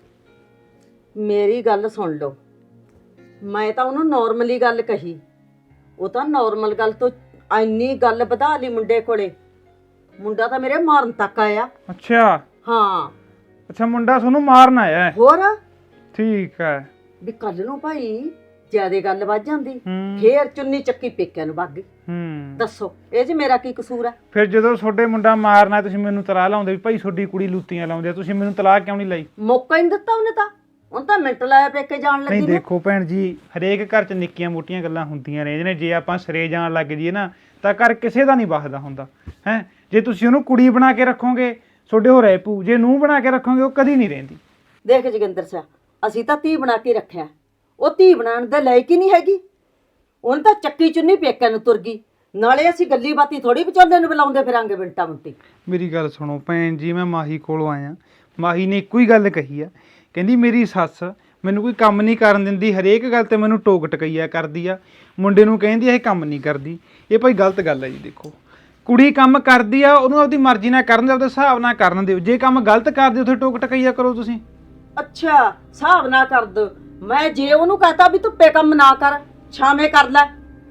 Speaker 4: ਮੇਰੀ ਗੱਲ ਸੁਣ ਲਓ, ਮੈਂ ਤਾਂ ਉਹਨੂੰ ਨਾਰਮਲੀ ਗੱਲ ਕਹੀ, ਉਹ ਤਾਂ ਨਾਰਮਲ ਗੱਲ ਤੋਂ ਇੰਨੀ ਗੱਲ ਵਧਾ ਲਈ ਮੁੰਡੇ ਕੋਲੇ। ਮੁੰਡਾ ਤਾਂ ਮੇਰੇ ਮਾਰਨ ਤੱਕ ਆਇਆ।
Speaker 8: ਅੱਛਾ
Speaker 4: ਹਾਂ
Speaker 8: ਅੱਛਾ, ਮੁੰਡਾ ਤੁਹਾਨੂੰ ਮਾਰਨ ਆਇਆ?
Speaker 4: ਹੋਰ
Speaker 8: ਠੀਕ ਹੈ।
Speaker 4: ਵੀ ਕੱਲ ਨੂੰ ਭਾਈ ਜਿਆਦੇ ਗੱਲ ਵੱਧ ਜਾਂਦੀ,
Speaker 8: ਹੂੰ
Speaker 4: ਫੇਰ ਚੁੰਨੀ ਚੱਕੀ ਪੇਕਿਆਂ ਨੂੰ ਵਗ ਗਈ।
Speaker 8: ਹੂੰ
Speaker 4: ਦੱਸੋ ਇਹ 'ਚ ਮੇਰਾ ਕੀ ਕਸੂਰ ਹੈ?
Speaker 8: ਫਿਰ ਜਦੋਂ ਤੁਹਾਡੇ ਮੁੰਡਾ ਮਾਰਨਾ ਤੁਸੀਂ ਮੈਨੂੰ ਤਲਾਹ ਲਾਉਂਦੇ ਵੀ ਭਾਈ ਤੁਹਾਡੀ ਕੁੜੀ ਲੂਤੀਆਂ ਲਾਉਂਦੇ ਆ, ਤੁਸੀਂ ਮੈਨੂੰ ਤਲਾਹ ਕਿਉਂ ਨਹੀਂ ਲਾਈ?
Speaker 4: ਮੌਕਾ ਹੀ ਨਹੀਂ ਦਿੱਤਾ ਉਹਨੇ ਤਾਂ, ਉਹਨੇ ਤਾਂ ਮਿੰਟ ਲਾਇਆ ਪੇਕੇ ਜਾਣ
Speaker 8: ਨਹੀਂ
Speaker 4: ਲੱਗੀ ਨੂੰ।
Speaker 8: ਦੇਖੋ ਭੈਣ ਜੀ, ਹਰੇਕ ਘਰ 'ਚ ਨਿੱਕੀਆਂ ਮੋਟੀਆਂ ਗੱਲਾਂ ਹੁੰਦੀਆਂ ਰਹਿੰਦੀਆਂ ਨੇ। ਜੇ ਆਪਾਂ ਸਿਰੇ ਜਾਣ ਲੱਗ ਜਾਈਏ ਨਾ ਤਾਂ ਘਰ ਕਿਸੇ ਦਾ ਨਹੀਂ ਵਸਦਾ ਹੁੰਦਾ ਹੈ। ਜੇ ਤੁਸੀਂ ਉਹਨੂੰ ਕੁੜੀ ਬਣਾ ਕੇ ਰੱਖੋਗੇ ਤੁਹਾਡੇ ਹੋ ਰਹਿ ਪੂ, ਜੇ ਨੂੰਹ ਬਣਾ ਕੇ ਰੱਖੋਗੇ ਉਹ ਕਦੀ ਨਹੀਂ ਰਹਿੰਦੀ।
Speaker 4: ਦੇਖ ਜੋਗਿੰਦਰ ਸਿਆ, ਅਸੀਂ ਤਾਂ ਧੀ ਬਣਾ ਕੇ ਰੱਖਿਆ, ਉਹ ਧੀ ਬਣਾਉਣ ਦੇ ਲਾਇਕ ਹੀ ਨਹੀਂ ਹੈਗੀ। ਉਹਨੇ ਤਾਂ ਚੱਕੀ ਚੁੰਨੀ ਪੇਕਿਆਂ ਨੂੰ ਤੁਰ ਗਈ, ਨਾਲੇ ਅਸੀਂ ਗੱਲੀ ਬਾਤੀ ਥੋੜੀ ਵਿਚੋਲੇ ਨੂੰ ਬੁਲਾਉਂਦੇ ਫਿਰਾਂਗੇ ਮਿੰਟਾਂ ਮਿੰਟੀ।
Speaker 8: ਮੇਰੀ ਗੱਲ ਸੁਣੋ ਭੈਣ ਜੀ, ਮੈਂ ਮਾਹੀ ਕੋਲੋਂ ਆਇਆ, ਮਾਹੀ ਨੇ ਇੱਕੋ ਹੀ ਗੱਲ ਕਹੀ ਆ, ਕਹਿੰਦੀ ਮੇਰੀ ਸੱਸ ਮੈਨੂੰ ਕੋਈ ਕੰਮ ਨਹੀਂ ਕਰਨ ਦਿੰਦੀ, ਹਰੇਕ ਗੱਲ ਤੇ ਮੈਨੂੰ ਟੋਕ ਟਕਈਆ ਕਰਦੀ ਆ, ਮੁੰਡੇ ਨੂੰ ਕਹਿੰਦੀ ਇਹ ਕੰਮ ਨਹੀਂ ਕਰਦੀ। ਇਹ ਭਾਈ ਗਲਤ ਗੱਲ ਹੈ ਜੀ। ਦੇਖੋ ਕੁੜੀ ਕੰਮ ਕਰਦੀ ਆ, ਉਹਨੂੰ ਆਪਦੀ ਮਰਜ਼ੀ ਨਾਲ ਕਰਨ ਦਿਓ, ਆਪਦੇ ਹਿਸਾਬ ਨਾਲ ਕਰਨ ਦਿਓ। ਜੇ ਕੰਮ ਗਲਤ ਕਰਦੇ ਉੱਥੇ ਟੋਕ ਟਕਈਆ ਕਰੋ ਤੁਸੀਂ।
Speaker 4: ਅੱਛਾ ਹਿਸਾਬ ਨਾ ਕਰ ਦੋ, ਮੈਂ ਜੇ ਉਹਨੂੰ ਕਹਤਾ ਵੀ ਧੁੱਪੇ ਕੰਮ ਨਾ ਕਰ, ਛਾਵੇਂ ਕਰ ਲੈ,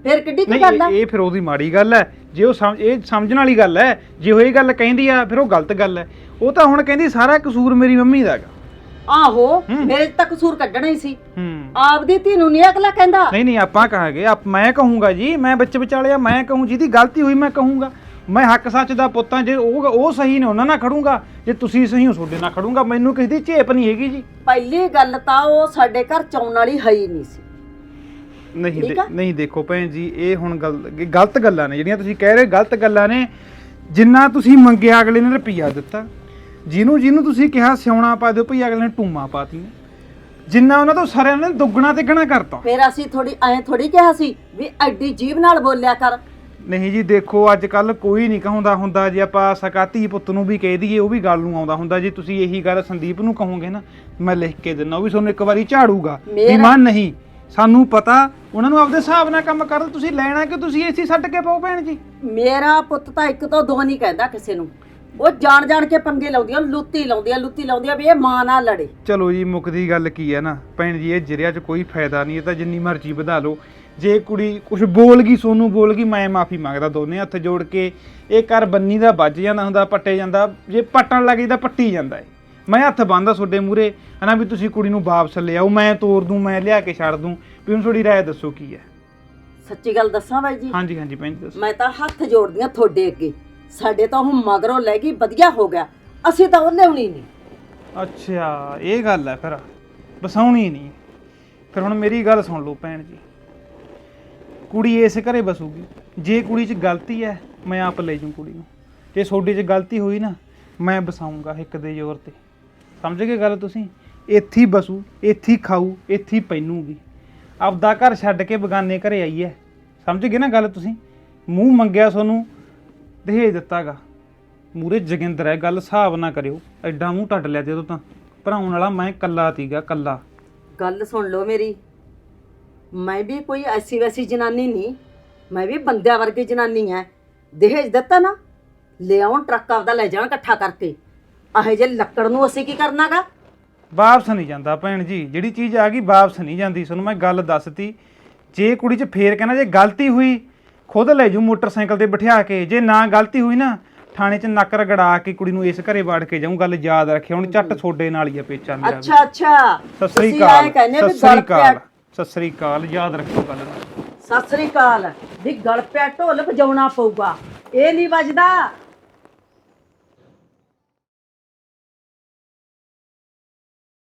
Speaker 4: ਫਿਰ ਕਿੱਡੀ ਕੀ
Speaker 8: ਨਹੀਂ
Speaker 4: ਗੱਲ ਆ
Speaker 8: ਇਹ ਇਹ ਫਿਰ ਉਹਦੀ ਮਾੜੀ ਗੱਲ ਹੈ। ਜੇ ਉਹ ਸਮਝ ਇਹ ਸਮਝਣ ਵਾਲੀ ਗੱਲ ਹੈ, ਜੇ ਉਹ ਇਹ ਗੱਲ ਕਹਿੰਦੀ ਆ ਫਿਰ ਉਹ ਗਲਤ ਗੱਲ ਹੈ। ਉਹ ਤਾਂ ਹੁਣ ਕਹਿੰਦੀ ਸਾਰਾ ਕਸੂਰ ਮੇਰੀ ਮੰਮੀ ਦਾ ਹੈਗਾ।
Speaker 4: ਆਹੋ ਮੇਰੇ 'ਚ ਤਾਂ ਕਸੂਰ ਕੱਢਣਾ ਹੀ ਸੀ।
Speaker 8: ਹੂੰ
Speaker 4: ਆਪਦੀ ਧੀ ਨੂੰ ਨਹੀਂ ਅਗਲਾ ਕਹਿੰਦਾ।
Speaker 8: ਨਹੀਂ ਨਹੀਂ ਆਪਾਂ ਕਹਾਂਗੇ ਆਪ ਮੈਂ ਕਹੂੰਗਾ ਜੀ, ਮੈਂ ਵਿੱਚ ਵਿਚਾਲਿਆ ਮੈਂ ਕਹੂੰ, ਜਿਹਦੀ ਗਲਤੀ ਹੋਈ ਮੈਂ ਕਹੂੰਗਾ। ਮੈਂ ਹੱਕ ਸੱਚ ਦਾ ਪੁੱਤਾਂ, ਜੇ ਉਹ ਉਹ ਸਹੀ ਨੇ ਉਹਨਾਂ ਨਾਲ ਖੜੂੰਗਾ, ਜੇ ਤੁਸੀਂ ਸਹੀ ਹੋ ਤੁਹਾਡੇ ਨਾਲ ਖੜੂੰਗਾ। ਮੈਨੂੰ ਕਿਸੇ ਦੀ ਝੇਪ ਨਹੀਂ ਹੈਗੀ ਜੀ।
Speaker 4: ਪਹਿਲੀ ਗੱਲ ਤਾਂ ਉਹ ਸਾਡੇ ਘਰ ਚਾਉਣ ਵਾਲੀ ਹੈ ਹੀ ਨਹੀਂ ਸੀ।
Speaker 8: ਨਹੀਂ
Speaker 4: ਠੀਕ
Speaker 8: ਦੇ-
Speaker 4: ਆ?
Speaker 8: ਨਹੀਂ ਦੇਖੋ ਭੈਣ ਜੀ, ਇਹ ਹੁਣ ਗੱਲ ਇਹ ਗਲਤ ਗੱਲਾਂ ਨੇ ਜਿਹੜੀਆਂ ਤੁਸੀਂ ਕਹਿ ਰਹੇ, ਗਲਤ ਗੱਲਾਂ ਨੇ। ਜਿੰਨਾ ਤੁਸੀਂ ਮੰਗਿਆ ਅਗਲੇ ਨੇ ਰੁਪਈਆ ਦਿੱਤਾ, ਜਿਹਨੂੰ ਜਿਹਨੂੰ ਤੁਸੀਂ ਕਿਹਾ ਸਿਉਣਾ ਪਾ ਦਿਓ ਭਈ ਅਗਲੇ ਨੇ ਟੂਮਾ ਪਾਤੀਆਂ। ਜਿੰਨਾ ਉਹਨਾਂ ਤੋਂ ਸਾਰਿਆਂ ਨੇ ਦੁੱਗਣਾ ਤਿੱਗਣਾ ਕਰਤਾ।
Speaker 4: ਫਿਰ ਅਸੀਂ ਥੋੜੀ ਐਂ ਥੋੜੀ ਕਿਹਾ ਸੀ ਵੀ ਐਡੀ ਜੀਭ ਨਾਲ ਬੋਲਿਆ ਕਰ।
Speaker 8: ਨਹੀਂ ਜੀ ਦੇਖੋ, ਅੱਜ ਕੱਲ ਕੋਈ ਨਹੀਂ ਕਹਾਉਂਦਾ ਹੁੰਦਾ। ਜੇ ਆਪਾਂ ਸਕਾ ਧੀ ਪੁੱਤ ਨੂੰ ਵੀ ਕਹਿ ਦਈਏ ਉਹ ਵੀ ਗੱਲ ਨੂੰ ਆਉਂਦਾ ਹੁੰਦਾ। ਜੇ ਤੁਸੀਂ ਇਹੀ ਗੱਲ ਸੰਦੀਪ ਨੂੰ ਕਹੋਗੇ ਨਾ, ਮੈਂ ਲਿਖ ਕੇ ਦਿੰਦਾ, ਉਹ ਵੀ ਤੁਹਾਨੂੰ ਇੱਕ ਵਾਰੀ ਝਾੜੂਗਾ ਵੀ
Speaker 4: ਮੇਰਾ-
Speaker 8: ਮਾਂ ਨਹੀਂ, ਸਾਨੂੰ ਪਤਾ ਉਹਨਾਂ ਨੂੰ ਆਪਦੇ ਹਿਸਾਬ ਨਾਲ ਕੰਮ ਕਰਨ। ਤੁਸੀਂ ਲੈਣਾ ਕਿ ਤੁਸੀਂ ਏਸੀ ਛੱਡ ਕੇ ਪਾਓ ਭੈਣ ਜੀ।
Speaker 4: ਮੇਰਾ ਪੁੱਤ ਤਾਂ ਇੱਕ ਤੋਂ ਦੋ ਨਹੀਂ ਕਹਿੰਦਾ ਕਿਸੇ ਨੂੰ। ਉਹ ਜਾਣ ਜਾਣ ਕੇ ਪੰਗੇ ਲਾਉਂਦੀ ਆ, ਲੁੱਤੀ ਲਾਉਂਦੀ ਆ ਲੁੱਤੀ ਲਾਉਂਦੀ ਆ ਵੀ ਇਹ ਮਾਂ ਨਾਲ ਲੜੇ।
Speaker 8: ਚਲੋ ਜੀ, ਮੁੱਕਦੀ ਗੱਲ ਕੀ ਹੈ ਨਾ ਭੈਣ ਜੀ, ਇਹ ਜਿਰਿਆ 'ਚ ਕੋਈ ਫਾਇਦਾ ਨਹੀਂ। ਇਹ ਤਾਂ ਜਿੰਨੀ ਮਰਜ਼ੀ ਵਧਾ ਲਓ। ਜੇ ਕੁੜੀ ਕੁਝ ਬੋਲ ਗਈ, ਸੋਨੂੰ ਬੋਲ ਗਈ, ਮੈਂ ਮਾਫੀ ਮੰਗਦਾ, ਦੋਨੇ ਹੱਥ ਜੋੜ ਕੇ। ਇਹ ਘਰ ਬੰਨੀ ਦਾ ਵੱਜ ਜਾਂਦਾ ਹੁੰਦਾ, ਪੱਟੇ ਜਾਂਦਾ। ਜੇ ਪੱਟਣ ਲੱਗ ਜਾਂਦਾ ਪੱਟੀ ਜਾਂਦਾ ਹੈ। ਮੈਂ ਹੱਥ ਬੰਨਦਾ ਤੁਹਾਡੇ ਮੂਹਰੇ ਹਨਾ ਵੀ ਤੁਸੀਂ ਕੁੜੀ ਨੂੰ ਵਾਪਸ ਲਿਆਓ, ਮੈਂ ਤੋਰ ਦੂੰ, ਮੈਂ ਲਿਆ ਕੇ ਛੱਡ ਦੂੰ। ਵੀ ਹੁਣ ਤੁਹਾਡੀ ਰਾਏ ਦੱਸੋ ਕੀ ਹੈ?
Speaker 4: ਸੱਚੀ ਗੱਲ ਦੱਸਾਂ ਬਾਈ ਜੀ,
Speaker 8: ਹਾਂਜੀ ਹਾਂਜੀ ਭੈਣ ਜੀ ਦੱਸੋ।
Speaker 4: ਮੈਂ ਤਾਂ ਹੱਥ ਜੋੜਦੀ ਆ ਤੁਹਾਡੇ ਅੱਗੇ। ਸਾਡੇ ਤਾਂ ਉਹ ਮਗਰੋਂ ਲੈ ਗਈ, ਵਧੀਆ ਹੋ ਗਿਆ। ਅਸੀਂ ਤਾਂ ਉਹ ਲਿਆਉਣੀ ਨਹੀਂ।
Speaker 8: ਅੱਛਾ ਇਹ ਗੱਲ ਹੈ, ਫਿਰ ਬਸਾਉਣੀ ਨਹੀਂ। ਫਿਰ ਹੁਣ ਮੇਰੀ ਗੱਲ ਸੁਣ ਲਓ ਭੈਣ ਜੀ, ਕੁੜੀ ਇਸ ਘਰੇ ਬਸੂਗੀ। ਜੇ ਕੁੜੀ 'ਚ ਗਲਤੀ ਹੈ ਮੈਂ ਆਪ ਲੈ ਜੂ ਕੁੜੀ ਨੂੰ। ਜੇ ਤੁਹਾਡੇ 'ਚ ਗਲਤੀ ਹੋਈ ਨਾ, ਮੈਂ ਬਸਾਊਂਗਾ ਇੱਕ ਦੇ ਜ਼ੋਰ ਤੇ। ਸਮਝ ਗਏ ਗੱਲ ਤੁਸੀਂ? ਇੱਥੇ ਹੀ ਬਸੂ, ਇੱਥੇ ਹੀ ਖਾਊ, ਇੱਥੇ ਹੀ ਪੈਨੂਗੀ। ਆਪਦਾ ਘਰ ਛੱਡ ਕੇ ਬਗਾਨੇ ਘਰੇ ਆਈ ਹੈ। ਸਮਝ ਗਏ ਨਾ ਗੱਲ ਤੁਸੀਂ? ਮੂੰਹ ਮੰਗਿਆ ਤੁਹਾਨੂੰ ਦਹੇਜ ਦਿੱਤਾਗਾ। ਮੂਰੇ ਜੋਗਿੰਦਰ ਹੈ, ਗੱਲ ਹਿਸਾਬ ਨਾ ਕਰਿਓ। ਐਡਾ ਮੂੰਹ ਟੱਟ ਲਿਆ ਜਦੋਂ ਤਾਂ ਭਰਾਉਣ ਵਾਲਾ ਮੈਂ ਕੱਲਾ ਤੀਗਾ, ਕੱਲਾ।
Speaker 4: ਗੱਲ ਸੁਣ ਲਓ ਮੇਰੀ, ਮੈਂ ਵੀ ਕੋਈ ਐਸੀ ਵੈਸੀ ਜਨਾਨੀ ਨਹੀਂ। ਮੈਂ ਵੀ ਬੰਦਿਆਂ ਵਰਗੀ ਜਨਾਨੀ ਐ। ਦਹੇਜ ਦਿੱਤਾ ਨਾ, ਲਿਆਉਣ ਟਰੱਕ ਆਪਦਾ ਲੈ ਜਾਣ ਇਕੱਠਾ ਕਰਕੇ। ਆਹੇ ਜੇ ਲੱਕੜ ਨੂੰ ਅਸੀਂ ਕੀ ਕਰਨਾਗਾ?
Speaker 8: ਵਾਪਸ ਨਹੀਂ ਜਾਂਦਾ ਭੈਣ ਜੀ। ਜਿਹੜੀ ਚੀਜ਼ ਆ ਗਈ ਵਾਪਸ ਨਹੀਂ ਜਾਂਦੀ। ਤੁਹਾਨੂੰ ਮੈਂ ਗੱਲ ਦੱਸਤੀ। ਜੇ ਕੁੜੀ 'ਚ ਫੇਰ ਕਹਿਣਾ, ਜੇ ਗਲਤੀ ਹੋਈ ਖੁਦ ਲੈ ਜੂ ਮੋਟਰਸਾਈਕਲ ਤੇ ਬਿਠਾ ਕੇ। ਜੇ ਨਾ ਗਲਤੀ ਹੋਈ ਨਾ, ਥਾਣੇ 'ਚ ਨੱਕ ਰਗੜਾ ਕੇ ਕੁੜੀ ਨੂੰ ਇਸ ਘਰੇ ਵਾੜ ਕੇ ਜਾਊਂ। ਗੱਲ ਯਾਦ ਰੱਖਿਓ। ਹੁਣ ਝੱਟ ਤੁਹਾਡੇ ਨਾਲ ਹੀ ਆ ਪੇਚਾ ਮੇਰਾ ਵੀ।
Speaker 4: ਅੱਛਾ ਅੱਛਾ,
Speaker 8: ਸਤਿ ਸ੍ਰੀ
Speaker 4: ਤੁਸੀਂ
Speaker 8: ਅਕਾਲ।
Speaker 4: ਐਂ ਕਹਿੰਦੇ ਵੀ
Speaker 8: ਸਤਿ ਸ੍ਰੀ
Speaker 4: ਗਲ ਪਿਆ
Speaker 8: ਅਕਾਲ। ਸਤਿ ਸ੍ਰੀ ਅਕਾਲ, ਯਾਦ ਰੱਖਿਓ ਗੱਲ ਨੂੰ।
Speaker 4: ਸਤਿ ਸ੍ਰੀ ਅਕਾਲ ਵੀ ਗਲ ਪਿਆ ਢੋਲ ਵਜਾਉਣਾ ਪਊਗਾ। ਇਹ ਨਹੀਂ ਵੱਜਦਾ।